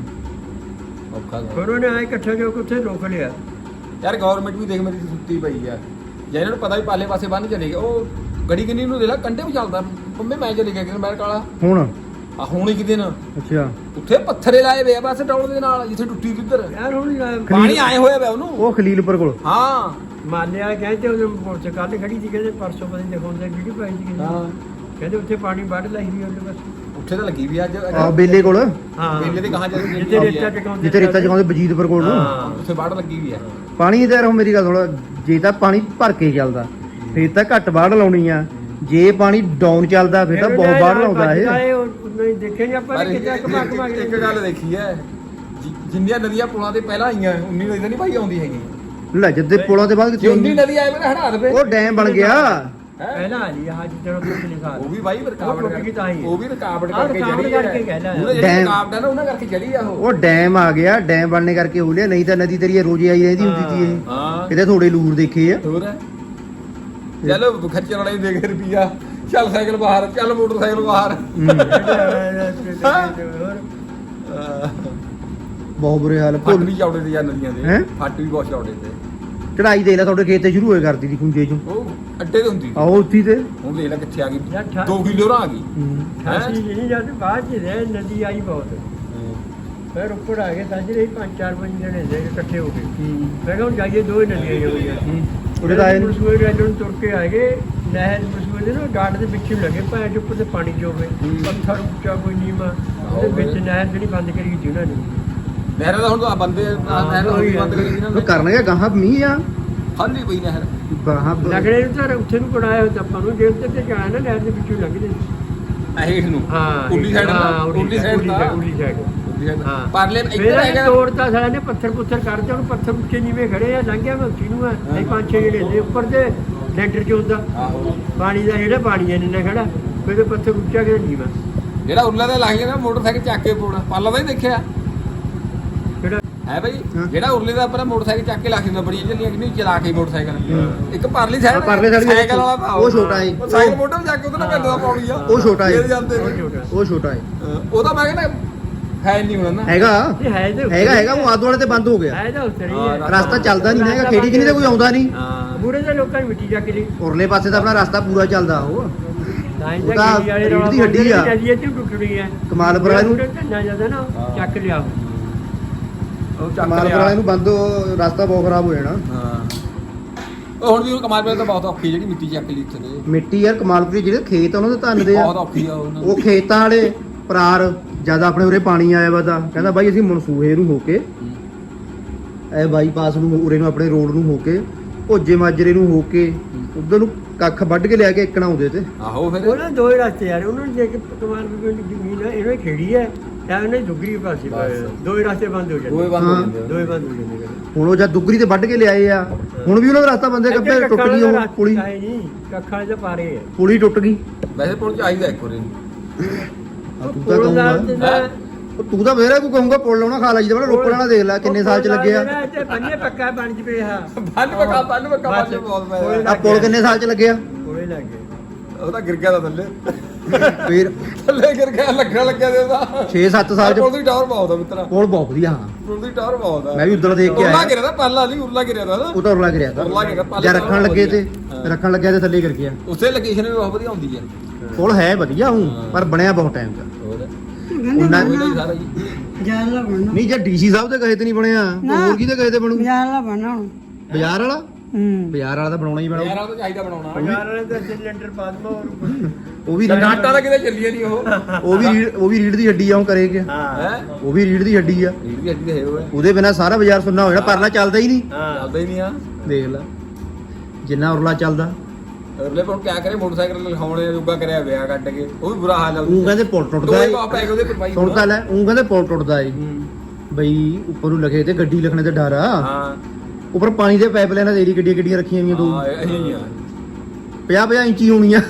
Speaker 2: ਔਖਾ ਗਾ।
Speaker 3: ਫਿਰ ਉਹਨੇ ਆਏ ਇਕੱਠੇ ਜੋ ਕੇ ਉੱਥੇ ਰੋਕ ਲਿਆ।
Speaker 2: ਯਾਰ ਗਵਰਨਮੈਂਟ ਵੀ ਦੇਖ ਮੇਰੀ ਸੁੱਤੀ ਪਈ ਆ ਜੇ ਇਹਨਾਂ ਨੂੰ ਪਤਾ ਵੀ ਪਾਲੇ ਪਾਸੇ ਬੰਨ ਚਲੇ ਗਏ ਉਹ ਗੜੀ ਕਿੰਨੀ ਨੂੰ ਦੇਖ ਲੈ ਕੰਢੇ ਵੀ ਚੱਲਦਾ ਪੰਮੇ ਮੈਂ ਚਲੇ ਗਿਆ ਕਿ ਮੈਂ ਕਾਲਾ
Speaker 1: ਹੁਣ
Speaker 2: ਆ ਹੁਣ ਇੱਕ ਦਿਨ
Speaker 1: ਅੱਛਾ
Speaker 2: ਉੱਥੇ ਪੱਥਰੇ ਲਾਏ ਵੇ ਆ ਬਸ ਡੌਲ ਦੇ ਨਾਲ ਜਿੱਥੇ ਟੁੱਟੀ ਸੀ ਉੱਧਰ
Speaker 3: ਯਾਰ ਹੁਣ
Speaker 2: ਪਾਣੀ ਆਏ ਹੋਇਆ ਵੇ ਉਹਨੂੰ
Speaker 1: ਉਹ ਖਲੀਲਪੁਰ ਕੋਲ
Speaker 2: ਹਾਂ
Speaker 3: ਮਾਲਿਆ ਕਹਿੰਦੇ ਉਹਦੇ ਮੋਰਚੇ ਕੱਲ ਖੜੀ ਸੀ ਕਹਿੰਦੇ ਪਰਸੋਂ ਪਤਾ ਨਹੀਂ ਦਿਖਾਉਂਦੇ ਵੀਡੀਓ ਪਾਈ ਸੀ ਕਿਸੇ
Speaker 2: ਹਾਂ
Speaker 3: ਨੇ। ਕਹਿੰਦੇ ਉੱਥੇ ਪਾਣੀ ਵੱਢ ਲਾਈ ਸੀ ਉਹਦੇ ਬਸ
Speaker 2: ਉੱਥੇ ਤਾਂ ਲੱਗੀ ਵੀ ਅੱਜ
Speaker 1: ਆ ਬੇਲੇ ਕੋਲ
Speaker 3: ਹਾਂ
Speaker 2: ਮੇਲੇ ਦੇ ਕਹਾਂ ਜਦੋਂ
Speaker 3: ਜਿੱਥੇ ਰੇਤਾ ਟਿਕਾਉਂਦੇ
Speaker 1: ਜਿੱਥੇ ਰੇਤਾ ਚਕਾਉਂਦੇ ਬਜੀਤਪੁਰ ਕੋਲ ਨੂੰ
Speaker 3: ਹਾਂ।
Speaker 2: ਉੱਥੇ ਬਾੜ ਲੱਗੀ ਵੀ ਆ
Speaker 1: ਪਾਣੀ ਦਾ ਰਹੋ ਮੇਰੀ ਗੱਲ ਥੋੜਾ ਜੇ ਤਾਂ ਪਾਣੀ ਭਰ ਕੇ ਚੱਲਦਾ ਫੇਰ ਤਾਂ ਘੱਟ ਬਾੜ ਲਾਉਣੀ ਆ। ਜੇ ਪਾਣੀ ਡਾਊਨ ਚੱਲਦਾ ਫੇਰ ਤਾਂ ਬਹੁਤ ਬਾੜ ਲਾਉਂਦਾ ਇਹ।
Speaker 3: ਨਹੀਂ ਦੇਖੇ ਨਹੀਂ ਆਪਾਂ
Speaker 2: ਪਰ
Speaker 3: ਨੇ ਕਿਤੇ ਕਮਾ ਕਮਾ ਕੇ
Speaker 2: ਇੱਕ ਗੱਲ ਦੇਖੀ ਐ ਜਿੰਨੀਆਂ ਨਦੀਆਂ ਪੁਲਾਂ ਤੇ ਪਹਿਲਾਂ ਆਈਆਂ 19 ਨਦੀ ਤਾਂ ਨਹੀਂ ਭਾਈ ਆਉਂਦੀ ਹੈਗੀ
Speaker 1: ਲੈ ਜਦ ਪੁਲਾਂ ਦੇ ਬਾਅਦ
Speaker 2: ਜੇ
Speaker 1: ਕਿੱਥੇ
Speaker 2: 19
Speaker 1: ਹੁੰਦੀ
Speaker 2: ਨਦੀ ਆਏ ਮੇਰੇ ਹੜਾ ਦੇ
Speaker 1: ਉਹ ਡੈਮ ਬਣ ਗਿਆ।
Speaker 3: ਪਹਿਲਾਂ ਆ ਜੀ ਆਹ ਜਿੱਦਾਂ ਪਿਛਲੇ ਸਾਲ
Speaker 2: ਉਹ ਵੀ ਬਾਈ ਰਕਾਵਟ
Speaker 3: ਟੁੱਟ ਗਈ ਤਾਂ ਹੀ।
Speaker 2: ਉਹ ਵੀ ਰਕਾਵਟ
Speaker 3: ਆਹ
Speaker 2: ਕਰਕੇ
Speaker 3: ਰੁਕਾਵਟ
Speaker 2: ਚੜੀ
Speaker 3: ਕਰਕੇ ਕਹਿਣਾ ਹੈ।
Speaker 2: ਉਹਨੇ ਜਿਹੜੀ
Speaker 1: ਡੈਮ-
Speaker 2: ਰਕਾਵਟ ਹੈ ਨਾ ਉਹਨਾਂ ਕਰਕੇ ਚੜੀ ਆ ਉਹ
Speaker 1: ਉਹ ਡੈਮ ਆ ਗਿਆ, ਡੈਮ ਬਣਨੇ ਕਰਕੇ ਹੋ ਲਿਆ। ਨਹੀਂ ਤਾਂ ਨਦੀ ਤੇਰੀ ਰੋਜ਼ੇ ਆਈ ਰਹਿੰਦੀ ਹੁੰਦੀ ਸੀ ਇਹ।
Speaker 2: ਹਾਂ
Speaker 1: ਕਿਤੇ ਥੋੜੇ ਲੂਰ ਦੇਖੇ ਆ।
Speaker 2: ਹੋਰ ਹੈ ਚਲੋ ਖੱਚਰ ਵਾਲੇ ਦੇਖ ਰੁਪਿਆ ਚੱਲ ਸਾਈਕਲ ਬਾਹਰ ਚੱਲ ਮੋਟਰਸਾਈਕਲ ਬਾਹਰ
Speaker 1: ਬਹੁਤ ਬੁਰੇ ਹਾਲ।
Speaker 2: ਫੱਟ ਵੀ ਚੌੜੇ ਤੇ ਯਾਰ ਨਦੀਆਂ ਦੇ
Speaker 1: ਹੈਂ?
Speaker 2: ਫੱਟ ਵੀ ਬਹੁਤ ਚੌੜੇ ਤੇ
Speaker 1: ਚੜਾਈ ਦੇ ਲੈ ਤੁਹਾਡੇ ਖੇਤ ਤੇ ਸ਼ੁਰੂ ਹੋਏ ਕਰਦੀ ਦੀ ਖੁੰਝੇ ਚੋਂ
Speaker 2: ਉਹ ਅੱਡੇ ਤੇ ਹੁੰਦੀ
Speaker 1: ਆਓ ਉੱਥੀ ਤੇ
Speaker 2: ਹੁਣ ਦੇਖ ਲੈ ਕਿੱਥੇ ਆ ਗਈ
Speaker 3: ਯਾਰ ਠਾ-
Speaker 2: 2 ਕਿਲੋ ਰਾਂ ਆ ਗਈ
Speaker 3: ਖਾਸੀ ਨਹੀਂ ਜਦ ਬਾਅਦ ਚ ਰਹਿ ਨਦੀ ਆਈ ਬਹੁਤ ਫਿਰ ਉੱਪਰ ਆ ਗਏ ਸਾਜਰੇ 5-4 ਜਣੇ ਦੇ ਇਕੱਠੇ ਹੋ ਗਏ ਮੈਂ ਕਿਹਾ ਹੁਣ ਜਾਈਏ ਦੋ ਹੀ ਨਦੀਆਂ ਹੀ ਹੋਈਆਂ
Speaker 1: ਉਹਦੇ ਤਾਂ ਆਏ ਨੀ।
Speaker 3: ਮਸੂਏ ਰੈਲੋਂ ਤੁਰ ਕੇ ਆ ਗਏ ਨਹਿਰ ਮਸੂਏ ਦੇ ਨਾ ਗਾਰਡ ਦੇ ਵਿੱਚ ਹੀ ਲੱਗੇ ਭਾਂ ਦੇ ਉੱਪਰ ਤੇ ਪਾਣੀ ਜੋਵੇ ਪੱਥਰ ਉੱਚਾ ਕੋਈ ਨੀਮਾ ਉਹਦੇ ਵਿੱਚ ਨਹਿਰ ਜਿਹੜੀ ਬੰਦ ਕਰੀ ਗਈ ਉਹਨਾਂ ਨੇ
Speaker 2: ਨਹਿਰ ਦਾ ਹੁਣ ਤਾਂ ਬੰਦੇ ਨਹਿਰ ਦਾ ਵੀ ਬੰਦ ਕਰੀ ਇਹਨਾਂ
Speaker 1: ਉਹ
Speaker 2: ਨੇ
Speaker 1: ਕਰਨਗੇ ਗਾਹਾਂ ਮੀਂਹ ਆ
Speaker 2: ਖਾਲੀ ਪਈ ਨਹਿਰ
Speaker 1: ਗਾਹਾਂ
Speaker 3: ਲੱਗਣੇ ਨੂੰ ਤਾਂ ਉੱਥੇ ਨੂੰ ਕਢਾਇਆ ਹੋਇਆ ਆਪਾਂ ਨੂੰ ਜੇਲ੍ਹ ਤੇ ਜਾਣਾ ਨਾ ਨਹਿਰ ਦੇ ਵਿੱਚੋਂ ਲੱਗਦੇ
Speaker 2: ਹੇਠ ਨੂੰ
Speaker 3: ਹਾਂ
Speaker 2: ਉੱਲੀ ਸਾਈਡ
Speaker 3: ਹਾਂ
Speaker 2: ਉੱਲੀ ਸਾਈਡ ਦਾ
Speaker 3: ਉਲੀ ਸਾਈਡ ਹਾਂ
Speaker 2: ਪਰਲੇ ਇੱਧਰ
Speaker 3: ਫਿਰ
Speaker 2: ਹੈਗਾ
Speaker 3: ਤੋੜਤਾ ਸਾਲਾ ਨੇ ਪੱਥਰ ਪੁੱਥਰ ਕਰਦੇ ਉਹਨੂੰ ਪੱਥਰ ਉੱਚੇ ਨੀਵੇਂ ਖੜੇ ਆ ਲੰਘਿਆ ਮੈਂ ਉੱਚੀ ਨੂੰ ਆ ਇਹ 5-6 ਜਿਹੜੇ ਦੇ ਉੱਪਰ ਦੇ ਲੈਂਟਰ ਚ ਹੁੰਦਾ
Speaker 2: ਆਹੋ
Speaker 3: ਪਾਣੀ ਦਾ ਜਿਹੜਾ ਪਾਣੀ ਇਹਨੇ ਖੜਾ ਫਿਰ ਤੇ ਪੱਥਰ ਉੱਚਾ ਕੇ ਨੀਵਾਂ
Speaker 2: ਜਿਹੜਾ ਉੱਲਾ ਦਾ ਲੱਗ ਗਿਆ ਮੋਟਰਸਾਈਕਲ ਚੱਕ ਕੇ ਪੋਣਾ ਪਾਲਾ ਦਾ ਹੀ ਦੇਖਿਆ
Speaker 3: ਜਿਹੜਾ
Speaker 2: ਹੈ ਭਾਈ
Speaker 1: ਹਾਂ।
Speaker 2: ਜਿਹੜਾ ਉਰਲੇ ਦਾ ਆਪਣਾ ਮੋਟਰਸਾਈਕਲ ਚੱਕ ਕੇ ਲਾ ਕੇ ਬੜੀਆਂ ਚੱਲੀਆਂ ਕਿ ਨਹੀਂ ਚਲਾ ਕੇ ਮੋਟਰਸਾਈਕਲ ਇੱਕ ਪਰਲੀ ਸਾਈਡ
Speaker 1: ਹਾਂ, ਪਰਲੀ side ਵੀ
Speaker 2: ਸਾਈਕਲ ਵਾਲਾ ਤਾਂ
Speaker 1: ਉਹ ਛੋਟਾ ਏ।
Speaker 2: ਉਹ ਸਾਈਕਲ ਮੋਟਰ ਤੇ ਜਾ ਕੇ ਉਹਦੇ ਨਾਲ ਪੈਂਦਾ ਪੌੜੀ ਆ
Speaker 1: ਉਹ ਛੋਟਾ ਏ।
Speaker 2: ਫੇਰ ਜਾਂਦੇ
Speaker 3: ਉਹ
Speaker 2: ਨੇ।
Speaker 3: ਛੋਟਾ
Speaker 1: ਉਹ ਛੋਟਾ ਹੈ
Speaker 2: ਉਹਦਾ ਮੈਂ ਕਹਿੰਦਾ ਹੈ ਨਹੀਂ ਹੋਣਾ ਨਾ
Speaker 1: ਹੈਗਾ
Speaker 3: ਇਹ ਹੈ ਤੇ
Speaker 1: ਹੈਗਾ ਉਹ ਆਦੂ ਵਾਲੇ ਤੇ ਬੰਦ ਹੋ ਗਿਆ।
Speaker 3: ਹੈ ਤਾਂ ਉਤਰੀ
Speaker 2: ਹਾਂ,
Speaker 3: ਹੈ
Speaker 1: ਰਸਤਾ ਚੱਲਦਾ ਨਹੀਂ ਹੈਗਾ, ਖੇੜੀ ਕਿਨੀ ਤੇ ਕੋਈ ਆਉਂਦਾ ਨਹੀਂ।
Speaker 2: ਹਾਂ
Speaker 3: ਬੁਰੇ ਦੇ ਲੋਕਾਂ ਨੇ ਮਿੱਟੀ ਚੱਕ ਲਈ
Speaker 1: ਉਰਲੇ ਪਾਸੇ ਤਾਂ ਆਪਣਾ ਰਸਤਾ ਪੂਰਾ ਚੱਲਦਾ ਉਹ
Speaker 3: ਤਾਂ
Speaker 1: ਉਹ ਤਾਂ ਰੀੜ੍ਹ ਦੀ ਹੱਡੀ ਆ।
Speaker 3: ਚੱਲੀਏ ਤੇ ਟੁੱਟਣੀ ਹੈ
Speaker 1: ਕਮਾਲਪੁਰਾ ਨੂੰ
Speaker 3: ਨਾ ਜਾਂਦਾ ਨਾ ਚੱਕ ਲਿਆ
Speaker 2: ਉਹ ਚੱਕ
Speaker 1: ਕਮਾਲਪੁਰ
Speaker 2: ਲਿਆ
Speaker 1: ਵਾਲੇ ਨੂੰ ਬੰਦ ਰਸਤਾ ਬਹੁਤ ਖਰਾਬ ਹੋ ਜਾਣਾ।
Speaker 2: ਹਾਂ ਉਹ ਹੁਣ ਵੀ ਉਹ ਕਮਾਲਪੁਰ ਤਾਂ ਬਹੁਤ ਔਖੀ ਜਿਹੜੀ ਮਿੱਟੀ ਚੱਕ ਲਈ ਇੱਥੇ ਦੇ
Speaker 1: ਮਿੱਟੀ ਯਾਰ ਕਮਾਲਪੁਰੀ ਜਿਹੜੇ ਖੇਤ ਆ ਉਹਨਾਂ ਦੇ ਧੰਨ ਦੇ ਆ।
Speaker 2: ਬਹੁਤ ਔਖੀ ਆ ਉਹਨਾਂ
Speaker 1: ਉਹ ਖੇਤਾਂ ਵਾਲੇ ਪਰਾਰ ਜਦ ਆਪਣੇ ਉਰੇ ਪਾਣੀ ਆਇਆ ਵਾ ਤਾਂ ਕਹਿੰਦਾ ਬਾਈ ਅਸੀਂ ਮਨਸੂਹੇ ਨੂੰ ਹੋ ਕੇ ਇਹ ਬਾਈਪਾਸ ਨੂੰ ਉਰੇ ਨੂੰ ਆਪਣੇ ਰੋਡ ਨੂੰ ਹੋ ਕੇ ਭੋਜੇ ਮਾਜਰੇ ਨੂੰ ਹੋ ਕੇ ਉਧਰ ਨੂੰ ਕੱਖ ਵੱਢ ਕੇ ਲਿਆ ਕੇ ਇੱਕਣਾ ਆਉਂਦੇ ਤੇ
Speaker 2: ਆਹੋ ਫਿਰ
Speaker 3: ਉਹਨਾਂ ਦੋ ਹੀ ਰਸਤੇ ਯਾਰ ਉਹਨਾਂ ਨੂੰ ਜੇ ਕਿ ਕਮਾਲ ਵੀ ਜ਼ਮੀਨ ਹੈ ਇਹਨਾਂ ਦੀ ਖੇੜੀ ਹੈ ਜਾਂ ਉਹਨੇ ਦੁਗਰੀ ਪਾਸੇ
Speaker 2: ਬਸ।
Speaker 3: ਦੋ ਹੀ ਰਸਤੇ ਬੰਦ ਹੋ ਜਾਂਦੇ
Speaker 2: ਦੋਏ ਬੰਦ ਹੋ
Speaker 1: ਹਾਂ।
Speaker 2: ਜਾਂਦੇ
Speaker 3: ਦੋ ਹੀ ਬੰਦ ਹੋ ਜਾਂਦੇ
Speaker 1: ਹੁਣ ਉਹ ਜਦ ਦੁੱਗਰੀ ਤੇ ਵੱਢ ਕੇ ਲਿਆਏ ਆ ਹੁਣ ਵੀ ਉਹਨਾਂ ਦਾ ਰਸਤਾ ਬੰਦੇ ਕੱਪੇ ਟੁੱਟ ਗਈ ਉਹ ਪੁਲੀ
Speaker 3: ਨਹੀਂ ਕੱਖਾਂ ਦੇ ਪਾਰੇ ਹੈ
Speaker 1: ਪੁਲੀ ਟੁੱਟ ਗਈ।
Speaker 2: ਵੈਸੇ ਪੁਲ ਚਾਹੀਦਾ ਇੱਕ ਵਾਰੀ
Speaker 1: ਆ ਤੂੰ ਤਾਂ
Speaker 3: ਪੁਲ ਦਾ
Speaker 1: ਕਹੂੰਗਾ
Speaker 3: ਜਿਹੜਾ
Speaker 1: ਤੂੰ ਤਾਂ ਫੇਰ ਕੋਈ ਕਹੂੰਗਾ ਪੁੱਲ ਲਾਉਣਾ ਖਾ ਲਾ ਜੀ ਤਾਂ ਰੋਪੜ ਵਾਲਾ ਦੇਖ ਲੈ ਕਿੰਨੇ ਸਾਲ ਚ ਲੱਗਿਆ
Speaker 3: ਤੇ ਬੰਨੇ ਪੱਕਾ ਬਣ ਜਵੇ ਆ
Speaker 2: ਬੰਨ ਪੱਕਾ ਬਹੁਤ ਪੈ
Speaker 1: ਆ ਪੁੱਲ ਕਿੰਨੇ ਸਾਲ ਚ ਲੱਗਿਆ
Speaker 3: ਕੋਲੇ ਲੱਗ ਗਏ
Speaker 2: ਉਹ ਤਾਂ ਗਿਰ ਗਿਆ ਤਾਂ ਥੱਲੇ
Speaker 1: ਫੇਰ
Speaker 2: ਥੱਲੇ ਗਿਰ ਗਿਆ ਲੱਗਿਆ ਦੇ ਉਹਦਾ
Speaker 1: 6-7 ਸਾਲ
Speaker 2: ਪੁਲ
Speaker 1: ਚ
Speaker 2: ਦੀ ਟਾਵਰ ਬਹੁਤ ਆ ਮਿੱਤਰਾ
Speaker 1: ਪੁੱਲ ਬਹੁਤ ਵਧੀਆ ਹਾਂ
Speaker 2: ਪੁਲ ਦੀ ਟਾਵਰ ਬਹੁਤ ਆ
Speaker 1: ਮੈਂ ਵੀ ਉਧਰ ਦੇਖ ਕੇ
Speaker 2: ਉਰਲਾ
Speaker 1: ਆਇਆ
Speaker 2: ਗਿਰਿਆ ਤਾਂ ਪੱਲਾ ਨਹੀਂ ਉਰਲਾ ਗਿਰਿਆ ਤਾਂ ਨਾ
Speaker 1: ਉਹ ਤਾਂ ਉਰਲਾ ਗਿਰਿਆ ਤਾਂ
Speaker 2: ਉਰਲਾ ਗਿਰਿਆ, ਪੱਲੇ
Speaker 1: ਜਾਂ
Speaker 2: ਤਾਂ
Speaker 1: ਰੱਖਣ ਲੱਗੇ ਤੇ
Speaker 2: ਹਾਂ।
Speaker 1: ਰੱਖਣ ਲੱਗਿਆ ਤੇ ਥੱਲੇ ਗਿਰ ਗਿਆ
Speaker 2: ਉੱਥੇ ਲੋਕੇਸ਼ਨ ਵੀ ਬਹੁਤ ਵਧੀਆ ਹੁੰਦੀ ਹੈ
Speaker 1: ਪੁੱਲ ਹੈ ਵਧੀਆ ਹੂੰ ਪਰ ਬਣਿਆ ਬਹੁਤ ਟਾਈਮ ਦਾ
Speaker 2: ਹੋਰ
Speaker 1: ਉਹਨਾਂ
Speaker 2: ਕੋਈ ਨਹੀਂ ਸਾਰਾ ਜੀ
Speaker 4: ਬਾਜ਼ਾਰ ਵਾਲਾ ਬਣਨਾ
Speaker 1: ਨਹੀਂ ਜੇ ਡੀਸੀ ਸਾਹਿਬ ਦੇ ਕਹੇ ਤੇ ਨਹੀਂ ਬਣਿਆ ਹੋਰ ਕੀ ਤੇ ਕਹੇ ਤੇ ਬਣੂ
Speaker 4: ਬਾਜ਼ਾਰ ਵਾਲਾ ਬਣਨਾ ਹੁਣ
Speaker 1: ਬਾਜ਼ਾਰ ਵਾਲਾ
Speaker 4: ਹੂੰ
Speaker 1: ਬਾਜ਼ਾਰ ਵਾਲਾ ਤਾਂ ਬਣਾਉਣਾ ਹੀ
Speaker 2: ਯਾਰ
Speaker 1: ਪੈਣਾ
Speaker 2: ਉਹ ਤਾਂ ਚਾਹੀਦਾ ਬਣਾਉਣਾ
Speaker 3: ਬਾਜ਼ਾਰ ਵਾਲੇ ਤਾਂ ਸਿਲੰਡਰ ਪਾ ਦਮਾ ਹੋਰ
Speaker 1: ਉਹ ਵੀ
Speaker 2: ਡਾਟਾ ਤਾਂ ਕਿਤੇ ਚੱਲੀ ਨਹੀਂ ਉਹ
Speaker 1: ਉਹ ਵੀ ਰੀੜ ਦੀ ਹੱਡੀ ਆ ਉਹ ਕਰੇਗਾ
Speaker 3: ਹਾਂ
Speaker 2: ਹੈ
Speaker 1: ਉਹ ਵੀ ਰੀੜ ਦੀ ਹੱਡੀ ਆ
Speaker 2: ਰੀਡ ਦੀ ਹੱਡੀ ਤੇ ਹੈ ਉਹ
Speaker 1: ਉਹਦੇ ਬਿਨਾ ਸਾਰਾ ਬਾਜ਼ਾਰ ਸੁੰਨਾ ਹੋ ਜਾਣਾ ਪਰਲਾ ਚੱਲਦਾ ਹੀ ਨਹੀਂ
Speaker 3: ਹਾਂ
Speaker 2: ਚੱਲਦਾ ਹੀ ਨਹੀਂ ਆ
Speaker 1: ਦੇਖ ਲੈ ਜਿੰਨਾ ਉਰਲਾ ਚੱਲਦਾ
Speaker 2: ਅਗਲੇ ਕੋਲ ਕਿਆ ਕਰੇ ਮੋਟਰਸਾਈਕਲ ਲਿਖਾਉਣੇ ਯੋਗਾ ਕਰਿਆ ਵਿਆਹ ਕੱਢ ਕੇ ਉਹ ਵੀ ਬੁਰਾ ਹਾਲ ਆ
Speaker 1: ਉਹ ਕਹਿੰਦੇ ਪੁੱਲ ਟੁੱਟਦਾ
Speaker 2: ਦੋਏ
Speaker 1: ਏ
Speaker 2: ਬਾਪ ਪੈ ਗਏ ਉਹਦੇ ਪਰ ਬਾਈ
Speaker 1: ਸੁਣ ਤਾਂ ਲੈ ਉਹ ਕਹਿੰਦੇ ਪੁੱਲ ਟੁੱਟਦਾ ਏ ਬਈ ਉੱਪਰ ਨੂੰ ਲਗੇ ਤੇ ਗੱਡੀ ਲਿਖਣੇ ਤੇ ਡਰ ਆ
Speaker 2: ਹਾਂ
Speaker 1: ਉੱਪਰ ਪਾਣੀ ਦੇ ਪਾਈਪ ਲਾਈਨਾਂ ਤੇਰੀ ਗੱਡੀਆਂ ਗੱਡੀਆਂ ਰੱਖੀਆਂ ਹੋਈਆਂ ਦੋ
Speaker 2: ਹਾਂ ਇਹ ਆ
Speaker 1: 50 ਇੰਚੀ ਹੋਣੀਆਂ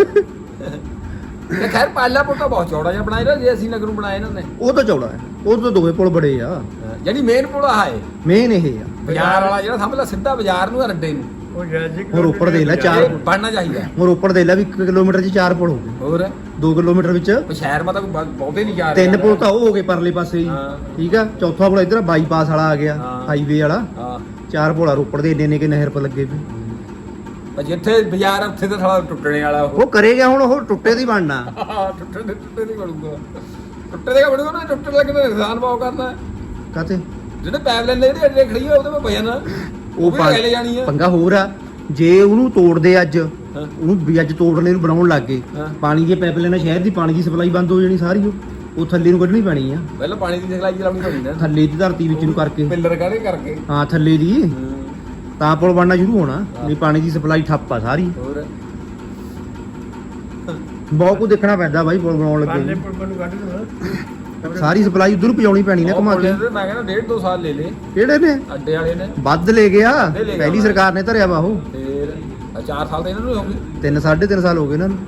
Speaker 2: ਤੇ ਖੈਰ ਪਾਲਾ ਪੁੱਟਾ ਬਹੁਤ ਚੌੜਾ ਜਿਹਾ ਬਣਾਇਆ ਨਾ ਜੇ ਅਸੀਂ ਨਗਰ ਨੂੰ ਬਣਾਇਆ ਇਹਨਾਂ ਨੇ
Speaker 1: ਉਹ ਤਾਂ ਚੌੜਾ ਹੈ ਉਹ ਤਾਂ ਦੋਵੇਂ ਪੁਲ ਬੜੇ ਆ
Speaker 2: ਜਿਹੜੀ ਮੇਨ ਪੁਲ ਆ ਹੈ
Speaker 1: ਮੇਨ ਇਹ ਆ
Speaker 2: ਬਾਜ਼ਾਰ ਵਾਲਾ ਜਿਹੜਾ ਸਮਝ ਲੈ ਸਿੱਧਾ ਬਾਜ਼ਾਰ ਨੂੰ ਰੱਡੇ ਨੂੰ
Speaker 3: ਉਹ ਜੈਜਿਕ
Speaker 1: ਹੁਣ ਉੱਪਰ ਦੇ ਲੈ ਚਾਰ
Speaker 2: ਇਹ ਬਣਨਾ ਚਾਹੀਦਾ
Speaker 1: ਹੁਣ ਉੱਪਰ ਦੇ ਲੈ ਵੀ 1 ਕਿਲੋਮੀਟਰ 'ਚ 4 ਪੁਲ ਹੋ ਗਏ
Speaker 2: ਹੋਰ
Speaker 1: 2 ਕਿਲੋਮੀਟਰ ਵਿੱਚ
Speaker 2: ਸ਼ਹਿਰ ਮਾ ਤਾਂ ਬਹੁਤੇ ਨਹੀਂ ਜਾ ਰਹੇ
Speaker 1: 3 ਪੁਲ ਤਾਂ ਉਹ ਹੋ ਗਏ ਪਰਲੇ ਪਾਸੇ ਹੀ
Speaker 2: ਹਾਂ।
Speaker 1: ਠੀਕ ਆ ਚੌਥਾ ਪੁਲ ਇੱਧਰ ਬਾਈਪਾਸ ਵਾਲਾ ਆ ਗਿਆ
Speaker 2: ਹਾਂ।
Speaker 1: ਹਾਈਵੇ ਵਾਲਾ
Speaker 2: ਹਾਂ
Speaker 1: 4 ਪੁਲ ਆ ਰੋਪੜ ਦੇ ਇੰਨੇ ਕਿ ਨਹਿਰ ਪਰ ਲੱਗੇ ਪਏ
Speaker 2: ਪਰ ਜਿੱਥੇ ਬਾਜ਼ਾਰ ਆ ਉੱਥੇ ਤਾਂ ਸਾਲਾ ਟੁੱਟਣੇ ਵਾਲਾ ਉਹ
Speaker 1: ਉਹ ਕਰੇਗਾ ਹੁਣ ਉਹ ਟੁੱਟੇ ਦੀ ਬਣਨਾ
Speaker 2: ਟੁੱਟੇ ਨਹੀਂ ਬਣੂਗਾ ਟੁੱਟੇ ਦੇ ਬਣੂਗਾ ਨਾ ਟੁੱਟਣ ਲੱਗੇ ਤਾਂ ਨੁਕਸਾਨ ਬਹੁਤ ਕਰਨਾ
Speaker 1: ਕਾਤੇ
Speaker 2: ਜਿਹੜੇ ਪਾਈਪਲਾਈਨ ਜਿਹੜੀ ਅੱਡੇ ਖੜੀ ਆ ਉਹਦੇ ਮੈਂ ਭਜਨ ਉਹ ਵੀ ਲੈ ਜਾਣੀ ਆ
Speaker 1: ਪੰਗਾ ਹੋਰ ਆ ਜੇ ਉਹਨੂੰ ਤੋੜਦੇ ਅੱਜ
Speaker 2: ਹਾਂ।
Speaker 1: ਉਹਨੂੰ ਵੀ ਅੱਜ ਤੋੜਨੇ ਨੂੰ ਬਣਾਉਣ ਲੱਗ ਗਏ
Speaker 2: ਹਾਂ।
Speaker 1: ਪਾਣੀ ਦੀਆਂ ਪਾਈਪਲਾਈਨਾਂ ਸ਼ਹਿਰ ਦੀ ਪਾਣੀ ਦੀ ਸਪਲਾਈ ਬੰਦ ਹੋ ਜਾਣੀ ਸਾਰੀ ਉਹ ਥੱਲੇ ਨੂੰ ਕੱਢਣੀ ਪੈਣੀ ਆ
Speaker 2: ਪਹਿਲਾਂ ਪਾਣੀ ਦੀ ਸਪਲਾਈ ਚਲਾਉਣੀ ਪੈਣੀ ਨਾ
Speaker 1: ਥੱਲੇ ਦੀ ਧਰਤੀ ਵਿੱਚ ਨੂੰ ਕਰਕੇ
Speaker 2: ਪਿੱਲਰ ਕਾੜੇ ਕਰਕੇ
Speaker 1: ਹਾਂ ਥੱਲੇ ਦੀ ਤਾਂ ਪੁਲ ਬਣਨਾ ਸ਼ੁਰੂ ਹੋਣਾ ਨਹੀਂ ਪਾਣੀ ਦੀ ਸਪਲਾਈ ਠੱਪ ਆ ਸਾਰੀ
Speaker 2: ਹੋਰ
Speaker 1: ਬਹੁਤ ਕੁਝ ਦੇਖਣਾ ਪੈਂਦਾ ਬਾਈ ਪੁਲ ਬਣਾਉਣ
Speaker 3: ਪਾਲੇ
Speaker 1: ਲੱਗੇ
Speaker 3: ਪੁੱਲ ਨੂੰ ਕੱਢ ਦੋ
Speaker 1: ਸਾਰੀ ਸਪਲਾਈ ਉਧਰ ਨੂੰ ਪਹੁੰਚਾਉਣੀ ਪੈਣੀ ਨਾ ਘੁਮਾ ਕੇ
Speaker 2: ਮੈਂ ਕਹਿੰਦਾ 1.5-2 ਸਾਲ ਲੈ ਲੇ
Speaker 1: ਕਿਹੜੇ ਨੇ
Speaker 2: ਅੱਡੇ ਵਾਲੇ ਨੇ
Speaker 1: ਵੱਧ ਲੈ ਗਿਆ
Speaker 2: ਵੱਧ ਲੈ ਗਿਆ
Speaker 1: ਪਹਿਲੀ
Speaker 2: ਉਹਨਾਂ
Speaker 1: ਸਰਕਾਰ ਨੇ ਧਰਿਆ ਵਾ ਉਹ
Speaker 2: ਫੇਰ 4 ਸਾਲ ਤਾਂ ਇਹਨਾਂ ਨੂੰ ਹੋ ਗਏ
Speaker 1: 3.5 ਸਾਲ ਹੋ ਗਏ ਇਹਨਾਂ ਨੂੰ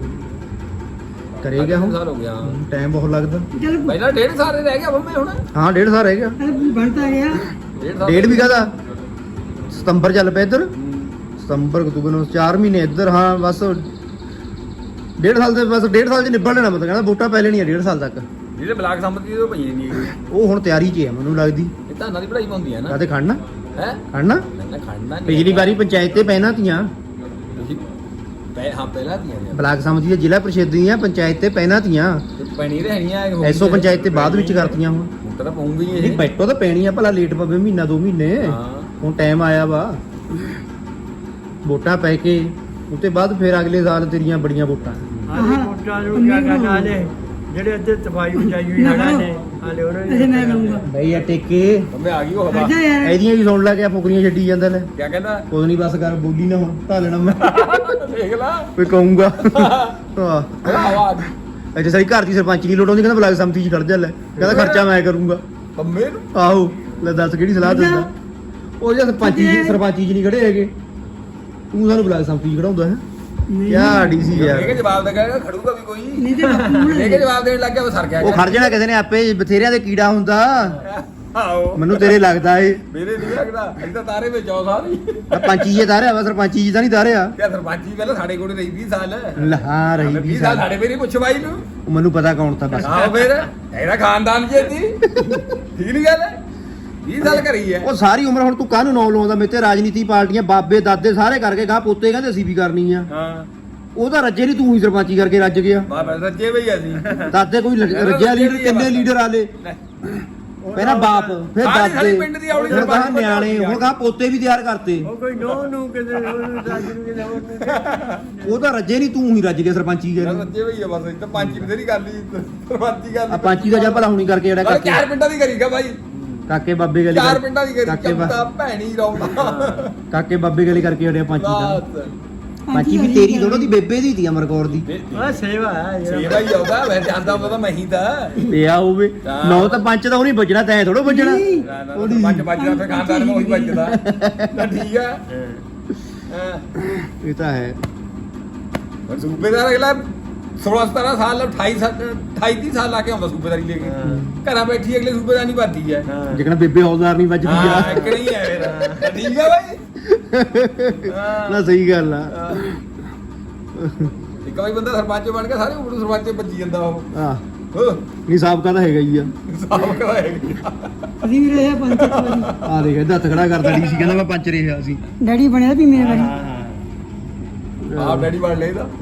Speaker 1: ਕਰੇਗਾ ਹੁਣ
Speaker 2: ਸਾਲ ਹੋ ਗਿਆ
Speaker 1: ਟਾਈਮ ਬਹੁਤ ਲੱਗਦਾ
Speaker 4: ਚਲ
Speaker 2: ਪਹਿਲਾਂ 1.5 ਸਾਲ ਹੀ ਰਹਿ ਗਿਆ ਬੰਬੇ ਹੁਣ
Speaker 1: ਹਾਂ 1.5 ਸਾਲ ਰਹਿ ਗਿਆ
Speaker 4: ਬਣਤਾ ਗਿਆ
Speaker 2: 1.5 ਸਾਲ
Speaker 1: ਡੇਢ ਵੀ ਕਾਹਦਾ ਸਤੰਬਰ ਚੱਲ ਪਿਆ ਇੱਧਰ ਸਤੰਬਰ ਅਕਤੂਬਰ ਨੂੰ 4 ਮਹੀਨੇ ਇੱਧਰ ਹਾਂ ਬਸ 1.5 ਸਾਲ ਦੇ ਬਸ 1.5 ਸਾਲ ਚ ਨਿਬੜ ਲੈਣਾ ਮਤਲਬ ਕਹਿੰਦਾ ਵੋਟਾਂ ਪੈ ਲੈਣੀਆਂ 1.5 ਸਾਲ ਤੱਕ
Speaker 2: ਜਿਹੜੇ ਬਲਾਕ ਸੰਮਤੀ ਉਹ ਪਈਆਂ ਨਹੀਂ
Speaker 1: ਉਹ ਹੁਣ ਤਿਆਰੀ 'ਚ ਹੈ ਮੈਨੂੰ ਲੱਗਦੀ
Speaker 2: ਇਹ ਧਾਨਾਂ ਦੀ ਪੜਾਈ ਹੁੰਦੀ ਹੈ ਨਾ
Speaker 1: ਕਾਤੇ ਖੜਨਾ
Speaker 2: ਹੈ
Speaker 1: ਖੜਨਾ
Speaker 2: ਨਾ ਖੜਨਾ ਨਹੀਂ
Speaker 1: ਪਿਛਲੀ ਵਾਰੀ ਪੰਚਾਇਤ ਤੇ ਪੈਣਾ ਤੀਆਂ
Speaker 2: ਤੁਸੀਂ ਹਾਂ ਪਹਿਲਾਂ ਦੀਆਂ ਨੇ
Speaker 1: ਬਲਾਕ ਸਮਿਤੀ ਦੇ ਜ਼ਿਲ੍ਹਾ ਪ੍ਰੀਸ਼ਦ ਦੀਆਂ ਪੰਚਾਇਤ ਤੇ ਪੈਣਾ ਤੀਆਂ
Speaker 2: ਪੈਣੀ ਰਹਿਣੀਆਂ
Speaker 1: ਐਸਓ ਪੰਚਾਇਤ ਤੇ ਬਾਅਦ ਵਿੱਚ ਕਰਤੀਆਂ ਹੁਣ
Speaker 2: ਹੁਣ ਤਾਂ ਪਊਂਗੀ
Speaker 1: ਨਹੀਂ
Speaker 2: ਇਹ
Speaker 1: ਪੈਟੋ ਤਾਂ ਪੈਣੀ ਆ ਭਲਾ ਲੇਟ ਪਵੇ ਮਹੀਨਾ 2 ਮਹੀਨੇ
Speaker 2: ਹਾਂ
Speaker 1: ਹੁਣ ਟਾਈਮ ਆਇਆ ਵਾ ਵੋਟਾਂ ਪੈ ਕੇ ਉਤੇ ਬਾਅਦ ਫਿਰ ਅਗਲੇ ਸਾਲ ਤੇਰੀਆਂ ਬੜੀਆਂ ਵੋਟਾਂ
Speaker 3: ਆਲੇ ਮੋਟਾ ਨੂੰ ਕਿਆ ਕਰਨਾ ਨੇ ਜਿਹੜੇ ਅੱਧੇ ਤਬਾਈ ਮਚਾਈ ਹੋਈ ਹੜਾ ਨੇ ਆਲੇ ਉਹਨਾਂ
Speaker 4: ਇਹ ਮੈਂ ਲਊਂਗਾ
Speaker 1: ਬਈ ਆ ਟੇਕੇ
Speaker 2: ਬੰਬੇ ਆ ਗਈ ਉਹ ਹਵਾ
Speaker 4: ਅੱਛਾ ਯਾਰ
Speaker 1: ਇਹਦੀਆਂ ਵੀ ਸੁਣ ਲੈ ਕੇ ਫੁਕਰੀਆਂ ਛੱਡੀ ਜਾਂਦਾ ਲੈ
Speaker 2: ਕਿਆ ਕਹਿੰਦਾ
Speaker 1: ਕੋਈ ਨਹੀਂ ਬਸ ਕਰ ਬੋਲੀ ਨਾ ਹੁਣ ਢਾ ਲੈਣਾ ਮੈਂ
Speaker 2: ਦੇਖ ਲਾ
Speaker 1: ਕੋਈ ਕਹੂੰਗਾ ਹਾਂ
Speaker 2: ਹਵਾ ਆ ਗਈ
Speaker 1: ਅੱਛਾ ਸਾਰੀ ਘਰ ਦੀ ਸਰਪੰਚ ਦੀ ਲੋੜ ਆਉਂਦੀ ਕਹਿੰਦਾ ਬਲਾਕ ਸਮਿਤੀ 'ਚ ਖੜ ਜਾ ਲੈ ਕਹਿੰਦਾ ਖਰਚਾ ਮੈਂ ਕਰੂੰਗਾ
Speaker 2: ਬੰਬੇ ਨੂੰ
Speaker 1: ਆਹੋ ਲੈ ਦੱਸ ਕਿਹੜੀ ਸਲਾਹ ਦਿੰਦਾ ਉਹ ਜਦ ਸਰਪੰਚੀ 'ਚ ਨਹੀਂ ਖੜੇ ਹੈਗੇ ਤੂੰ ਸਾਨੂੰ ਬਲਾਕ ਸਮਿਤੀ 'ਚ ਖੜਾਉਂਦਾ ਹੈ ਕਿਆ ਡੀਸੀ
Speaker 2: ਇਹ ਕਿ
Speaker 1: ਯਾਰ
Speaker 2: ਜਵਾਬ ਦੇਗਾ ਖੜੂਗਾ ਵੀ ਕੋਈ
Speaker 4: ਨਹੀਂ ਤੇ ਬਾਪੂ
Speaker 2: ਇਹ ਕਿ ਜਵਾਬ ਦੇਣ ਲੱਗ ਗਿਆ ਉਹ ਸਰ ਗਿਆ
Speaker 1: ਉਹ ਖੜ ਜਾਣਾ ਕਿਸੇ ਨੇ ਆਪੇ ਬਥੇਰਿਆਂ ਦੇ ਕੀੜਾ ਹੁੰਦਾ
Speaker 2: ਆਓ
Speaker 1: ਮੈਨੂੰ ਤੇਰੇ ਲੱਗਦਾ ਏ
Speaker 2: ਮੇਰੇ ਨਹੀਂ ਲੱਗਦਾ ਅਸੀਂ ਤਾਂ ਤਾਰੇ ਵਿੱਚ ਆਉ ਸਾਰੀ
Speaker 1: ਆ ਪੰਚੀ ਜੇ ਤਾਰਿਆ ਵਾ ਸਰਪੰਚੀ ਜੀ ਤਾਂ ਨਹੀਂ ਤਾਰਿਆ
Speaker 2: ਕਿਆ ਸਰਪੰਚੀ ਪਹਿਲਾਂ ਸਾਡੇ ਕੋਲ ਰਹੀ 20 ਸਾਲ
Speaker 1: ਲਹਾ ਰਹੀ
Speaker 2: 20
Speaker 1: ਵੀ
Speaker 2: ਸਾਲ ਸਾਡੇ ਮੇਰੀ ਪੁੱਛ ਬਾਈ ਨੂੰ
Speaker 1: ਉਹ ਮੈਨੂੰ ਪਤਾ ਕੌਣ ਤਾਂ ਬਸ
Speaker 2: ਆਓ ਫੇਰ ਇਹਦਾ ਖਾਨਦਾਨ ਜੀ ਦੀ ਠੀਕ ਨਹੀਂ ਗੱਲ 20 ਸਾਲ ਕਰੀ ਹੈ
Speaker 1: ਉਹ ਸਾਰੀ ਉਮਰ ਹੁਣ ਤੂੰ ਕਾਹਨੂੰ ਨੌ ਲਾਉਂਦਾ ਮੇਰੇ ਤੇ ਰਾਜਨੀਤੀ ਪਾਰਟੀਆਂ ਬਾਬੇ ਦਾਦੇ ਸਾਰੇ ਕਰਕੇ ਗਾਹ ਪੋਤੇ ਕਹਿੰਦੇ ਅਸੀਂ ਵੀ ਕਰਨੀ ਆ
Speaker 2: ਹਾਂ
Speaker 1: ਉਹ ਤਾਂ ਰੱਜੇ ਨਹੀਂ ਤੂੰ ਹੀ ਸਰਪੰਚੀ ਕਰਕੇ ਰੱਜ ਗਿਆ
Speaker 2: ਬਾਬਾ ਰੱਜੇ ਬਈ ਅਸੀਂ
Speaker 1: ਦਾਦੇ ਕੋਈ ਰੱਜਿਆ ਲੀਡਰ ਕਿੰਨੇ ਲੀਡਰ ਆਲੇ ਪਹਿਲਾਂ ਬਾਪ ਫਿਰ
Speaker 2: ਸਾਰੀ
Speaker 1: ਦਾਦੇ
Speaker 2: ਪਿੰਡ ਦੀ ਔਲੀ
Speaker 1: ਫਿਰ
Speaker 2: ਸਰਪੰਚ
Speaker 1: ਗਾਹ ਨਿਆਣੇ ਹੁਣ ਗਾਹ ਪੋਤੇ ਵੀ ਤਿਆਰ ਕਰਤੇ
Speaker 3: ਉਹ ਕੋਈ ਨੋ ਨੂੰ ਕਿਤੇ ਉਹਨੂੰ ਰਾਜ ਨੂੰ ਕਿਤੇ ਹੋਰ
Speaker 1: ਉਹ ਤਾਂ ਰੱਜੇ ਨਹੀਂ ਤੂੰ ਹੀ ਰੱਜ ਗਿਆ ਸਰਪੰਚੀ ਕਰਕੇ
Speaker 2: ਰੱਜੇ ਬਈ ਆ ਬਸ ਇਹ ਤਾਂ ਪੰਜ ਬਥੇਰੀ ਗੱਲ ਹੀ ਸਰਪੰਚੀ ਗੱਲ
Speaker 1: ਆ ਪੰਚੀ ਦਾ ਜਾਂ ਭਲਾ ਹੁਣੀ ਕਰਕੇ ਜਿਹੜਾ
Speaker 2: ਨਾਲੇ
Speaker 1: ਕਾਕੇ
Speaker 2: ਚਾਰ ਪਿੰਡਾਂ ਦੀ ਕਰੀਗਾ ਬਾਈ
Speaker 1: ਕਾਕੇ ਬਾਬੇ ਗਲੀ
Speaker 2: ਚਾਰ ਪਿੰਡਾਂ ਦੀ ਕਰੀ
Speaker 1: ਕਾਕੇ
Speaker 2: ਚੰਦਾ ਭੈਣੀ ਰੌਂਦਾ
Speaker 1: ਕਾਕੇ ਬਾਬੇ ਗਲੀ ਕਰਕੇ ਹਟਿਆ ਪੰਚੀ ਦਾ
Speaker 2: ਬਸ
Speaker 1: ਪੰਚੀ ਵੀ ਤੇਰੀ ਦੋਨੋਂ ਦੀ ਬੇਬੇ ਦੀ ਤੀ ਅਮਰਕੌਰ ਦੀ
Speaker 3: ਆ ਸੇਵਾ ਹੈ
Speaker 2: ਸੇਵਾ ਹੀ ਆਉਂਦਾ ਮੈਂ ਜਾਂਦਾ ਹੁੰਦਾ ਤਾਂ ਮੈਂ ਹੀ ਤਾਂ
Speaker 1: ਪਿਆ ਹੋਵੇ
Speaker 2: ਹਾਂ।
Speaker 1: ਨੌ ਤਾਂ ਪੰਚ ਤਾਂ ਉਹਨੇ ਵੱਜਣਾ ਤੈਂ ਥੋੜੋ ਵੱਜਣਾ
Speaker 2: ਪੰਜ ਵੱਜਦਾ ਫਿਰ ਖਾਨਦਾਨ ਨੂੰ ਉਹੀ ਵੱਜਦਾ ਤਾਂ ਠੀਕ ਆ ਹਾਂ
Speaker 1: ਇਹ ਤਾਂ ਹੈ
Speaker 2: ਪਰ ਸੂਬੇਦਾਰ ਅਗਲਾ 16 17 ਸਾਲ 28 30 ਸਾਲ ਲਾ ਕੇ ਆਉਂਦਾ ਸੂਬੇਦਾਰੀ ਲੈ ਕੇ ਘਰਾਂ ਬੈਠੀ ਅਗਲੇ ਸੂਬੇਦਾਰ ਨਹੀਂ ਵੱਧਦੀ ਹੈ
Speaker 1: ਜਿਕਣਾ ਬੇਬੇ ਹੌਲਦਾਰ ਨਹੀਂ ਵੱਜਦੀ
Speaker 2: ਹਾਂ
Speaker 1: ਆ
Speaker 2: ਇੱਕ ਨਹੀਂ ਹੈ ਫਿਰ ਠੀਕ ਹੈ ਬਾਈ
Speaker 1: ਨਾ ਸਹੀ ਗੱਲ ਆ
Speaker 2: ਇੱਕ ਵਾਰੀ ਬੰਦਾ ਸਰਪੰਚ ਬਣ ਕੇ ਸਾਰੇ ਉਮਰ ਸਰਪੰਚ ਵੱਜੀ ਜਾਂਦਾ ਉਹ
Speaker 1: ਆ ਨਹੀਂ ਸਾਬਕਾ ਤਾਂ ਹੈਗਾ ਹੀ ਆ
Speaker 2: ਸਾਬ ਕਰਾਏਗੀ
Speaker 4: ਅਸੀਂ ਵੀ ਰਹੇ ਪੰਚ ਇੱਕ ਵਾਰੀ
Speaker 1: ਆ ਦੇਖ ਇਹਦਾ ਹੱਥ ਖੜਾ ਕਰਦਾ ਡੀਸੀ ਕਹਿੰਦਾ ਮੈਂ ਪੰਚ ਰਿਹਾ ਸੀ
Speaker 4: ਡੈਡੀ ਬਣਿਆ ਵੀ ਮੇਰੇ ਵਾਰੀ
Speaker 2: ਆਪ ਡੈਡੀ ਬਣ ਲੈ ਇਹਦਾ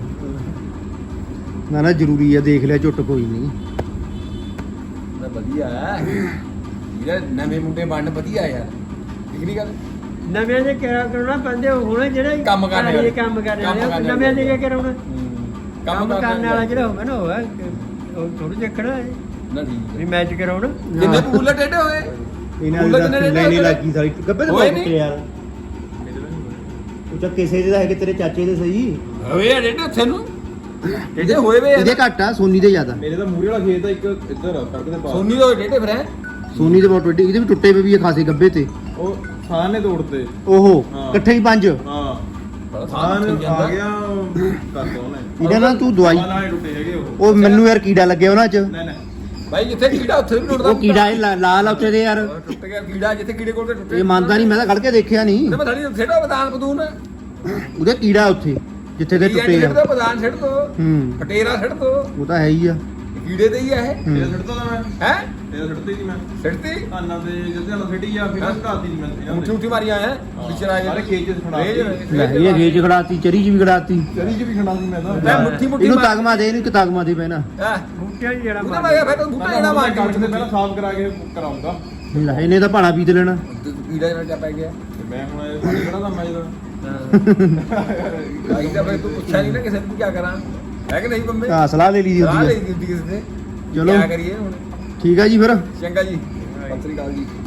Speaker 1: ਨਾ ਨਾ ਜ਼ਰੂਰੀ ਆ ਦੇਖ ਲਿਆ ਝੁੱਟ ਕੋਈ ਨਹੀਂ
Speaker 2: ਨਾ ਵਧੀਆ ਹੈ ਇਹਦਾ ਨਵੇਂ ਮੁੰਡੇ ਬਣਨ ਵਧੀਆ ਯਾਰ ਠੀਕ ਨਹੀਂ ਗੱਲ
Speaker 3: ਨਵੇਂ ਦੇ ਕਿਆ ਕਰਨਾ ਪੈਂਦੇ ਹੁਣ ਜਿਹੜੇ
Speaker 2: ਕੰਮ ਕਰਨ ਵਾਲੇ।
Speaker 3: ਇਹ ਕੰਮ ਕਰਨ
Speaker 2: ਕੰਮ
Speaker 3: ਵਾਲੇ
Speaker 2: ਕਰਨ
Speaker 3: ਨਵੇਂ ਦੇ ਕੀ ਕਰਾਉਣਾ ਕੰਮ
Speaker 2: ਕਰਨ
Speaker 3: ਕਰਨ ਵਾਲਾ ਜਿਹੜਾ ਹੋਵੇ ਨਾ ਉਹ ਥੋੜੀ ਚੱਕਣਾ ਹੈ
Speaker 2: ਨਾ ਠੀਕ
Speaker 3: ਵੀ ਮੈਚ ਕਰਾਉਣਾ
Speaker 2: ਜਿੰਨੇ ਬੂਲੇ ਟੇਢੇ ਹੋਏ
Speaker 1: ਇਹਨਾਂ
Speaker 2: ਬੁੱਲਟ
Speaker 1: ਦੀ
Speaker 2: ਨੇ
Speaker 1: ਲੈਣੀ ਲੱਗੀ ਸਾਰੀ ਗੱਬੇ ਤੇ
Speaker 2: ਹੋਏ
Speaker 1: ਬਹੁਤ
Speaker 2: ਨਹੀਂ।
Speaker 1: ਯਾਰ ਉਹ ਚੱਕ ਕਿਸੇ ਦੇ ਤਾਂ ਹੈਗੇ ਤੇਰੇ ਚਾਚੇ ਦੇ ਸਹੀ
Speaker 2: ਹੋਏ ਆ ਡੇਢੇ ਉੱਥੇ ਨੂੰ ਡੇਢੇ ਹੋਏ ਵੇ ਆ
Speaker 1: ਇਹਦੇ ਘੱਟ ਆ ਸੋਨੀ ਦੇ ਜ਼ਿਆਦਾ
Speaker 5: ਮੇਰੇ ਤਾਂ ਮੂਰੇ ਵਾਲਾ ਖੇਤ ਆ ਇੱਕ ਇੱਧਰ ਸੜਕ ਦੇ ਪਾਸ
Speaker 2: ਸੋਨੀ ਦੇ ਹੋਏ ਡੇਢੇ ਫਿਰ ਹੈ
Speaker 1: ਸੋਨੀ ਦੇ ਬਹੁਤ ਵੱਡੀ ਇਹਦੇ ਵੀ ਟੁੱਟੇ ਪਏ ਵੀ ਆ ਖਾਸੇ ਗੱਬੇ ਤੇ
Speaker 5: ਉਹ ਸਾਨ ਨੇ ਤੋੜਤੇ
Speaker 1: ਓਹੋ
Speaker 5: ਹਾਂ।
Speaker 1: ਇਕੱਠੇ ਹੀ ਪੰਜ
Speaker 5: ਹਾਂ ਸਾਨ ਆ ਗਿਆ ਕਰਦਾ ਉਹਨੇ
Speaker 1: ਇਹਦਾ ਨਾ ਤੂੰ ਦਵਾਈ
Speaker 5: ਨਾਲ ਹੀ ਟੁੱਟੇ ਹੈਗੇ ਉਹ
Speaker 1: ਉਹ ਮੈਨੂੰ ਯਾਰ ਕੀੜਾ ਲੱਗਿਆ ਉਹਨਾਂ 'ਚ
Speaker 5: ਨਹੀਂ ਨਹੀਂ
Speaker 2: ਭਾਈ ਜਿੱਥੇ ਕੀੜਾ ਉੱਥੇ ਵੀ ਟੁੱਟਦਾ
Speaker 1: ਉਹ ਕੀੜਾ ਇਹ ਲਾਲ ਆ ਉੱਥੇ ਦੇ ਯਾਰ
Speaker 2: ਟੁੱਟ ਗਿਆ ਕੀੜਾ ਜਿੱਥੇ ਕੀੜੇ ਕੋਲ ਤੇ ਟੁੱਟੇ
Speaker 1: ਇਹ ਮੰਨਦਾ ਨਹੀਂ ਮੈਂ ਤਾਂ ਖੜ ਕੇ ਦੇਖਿਆ ਨਹੀਂ
Speaker 2: ਤੇ ਮੈਂ ਥੜੀ ਛੇੜੋ ਬਦਾਨ ਬਦੂਨ
Speaker 1: ਉਹਦੇ ਕੀੜਾ ਉੱਥੇ ਜਿੱਥੇ ਦੇ ਟੁੱਟੇ
Speaker 2: ਛੇੜ
Speaker 1: ਆ
Speaker 2: ਦੋ ਬਦਾਨ ਛੇੜ ਦੋ
Speaker 1: ਹੂੰ
Speaker 2: ਫਟੇਰਾ ਛੇੜ ਦੋ
Speaker 1: ਉਹ ਤਾਂ ਹੈ ਹੀ ਆ
Speaker 2: ਕੀੜੇ ਦੇ ਹੀ ਆ ਇਹ
Speaker 1: ਹੂੰ।
Speaker 5: ਇਹ ਛੱਡਦਾ ਤਾਂ ਮੈਂ
Speaker 2: ਹੈ
Speaker 5: ਇਹ ਛੱਡਦੀ ਸੀ ਮੈਂ
Speaker 2: ਛੇੜਤੀ
Speaker 5: ਧਾਨਾਂ ਦੇ ਜਿੱਥੇ ਨਾਲ ਛੱਡੀ ਆ ਫਿਰ ਘਾਤੀ ਨਹੀਂ ਮੈਂ ਇਹਨਾਂ
Speaker 2: ਉੱਠੀ ਉੱਠੀ ਮਾਰੀਆਂ ਹੈ ਪਿਛਰਾ
Speaker 5: ਸਾਰੇ ਖੇਤ ਚ ਖੜਾ
Speaker 1: ਲੈ ਇਹ ਗੇਜ ਖੜਾਤੀ ਚਰੀ 'ਚ ਵੀ ਖੜਾਤੀ
Speaker 5: ਚਰੀ ਚ ਵੀ ਖੜਾ ਸੀ ਮੈਂ ਤਾਂ
Speaker 2: ਮੈਂ ਮੁੱਠੀ ਮੁੱਠੀ
Speaker 1: ਇਹਨੂੰ ਤਗਮਾ ਦੇ ਇਹਨੂੰ ਕਿ ਤਗਮਾ ਦੇ ਪੈਣਾ
Speaker 3: ਬੂਟਿਆਂ 'ਚ ਜਿਹੜਾ
Speaker 2: ਉਹਦਾ ਮੈਂ ਕਿਹਾ ਫਿਰ ਤਾਂ ਬੂਟਾ ਜਿਹੜਾ ਮਾਰ
Speaker 5: ਕੱਟ ਦੇ ਪਹਿਲਾਂ ਸਾਫ਼ ਕਰਾ ਕੇ ਕਰਾਉਂਗਾ
Speaker 1: ਲੈ ਇਹਨੇ ਤਾਂ ਭਾਣਾ ਪੀਤ ਲੈਣਾ
Speaker 2: ਕੀੜਾ ਜਿਹੜਾ ਜਾ ਪੈ ਗਿਆ
Speaker 5: ਤੇ ਮੈਂ ਹੁਣ ਇਹ ਕਿਹੜਾ ਦਾ ਮੈਂ ਜਦੋਂ
Speaker 2: ਆਈ ਤਾਂ ਫਿਰ ਤੂੰ ਪੁੱਛਿਆ ਨਹੀਂ ਨਾ ਕਿਸੇ ਨੂੰ ਕੀ ਕਰਾਂ ਹੈ ਕਿ ਨਹੀਂ ਬੰਬੇ
Speaker 1: ਆ ਸਲਾਹ ਲੈ ਲਈ ਦੀ
Speaker 2: ਸਲਾਹ
Speaker 1: ਹੁੰਦੀ
Speaker 2: ਲਈ
Speaker 1: ਆ
Speaker 2: ਦਿੱਤੀ ਕਿਸੇ ਨੇ
Speaker 1: ਚਲੋ।
Speaker 2: ਕੀ ਕਰੀਏ ਹੁਣ
Speaker 1: ਠੀਕ ਆ ਜੀ ਫਿਰ
Speaker 2: ਚੰਗਾ ਜੀ ਸਤਿ ਸ੍ਰੀ ਅਕਾਲ ਜੀ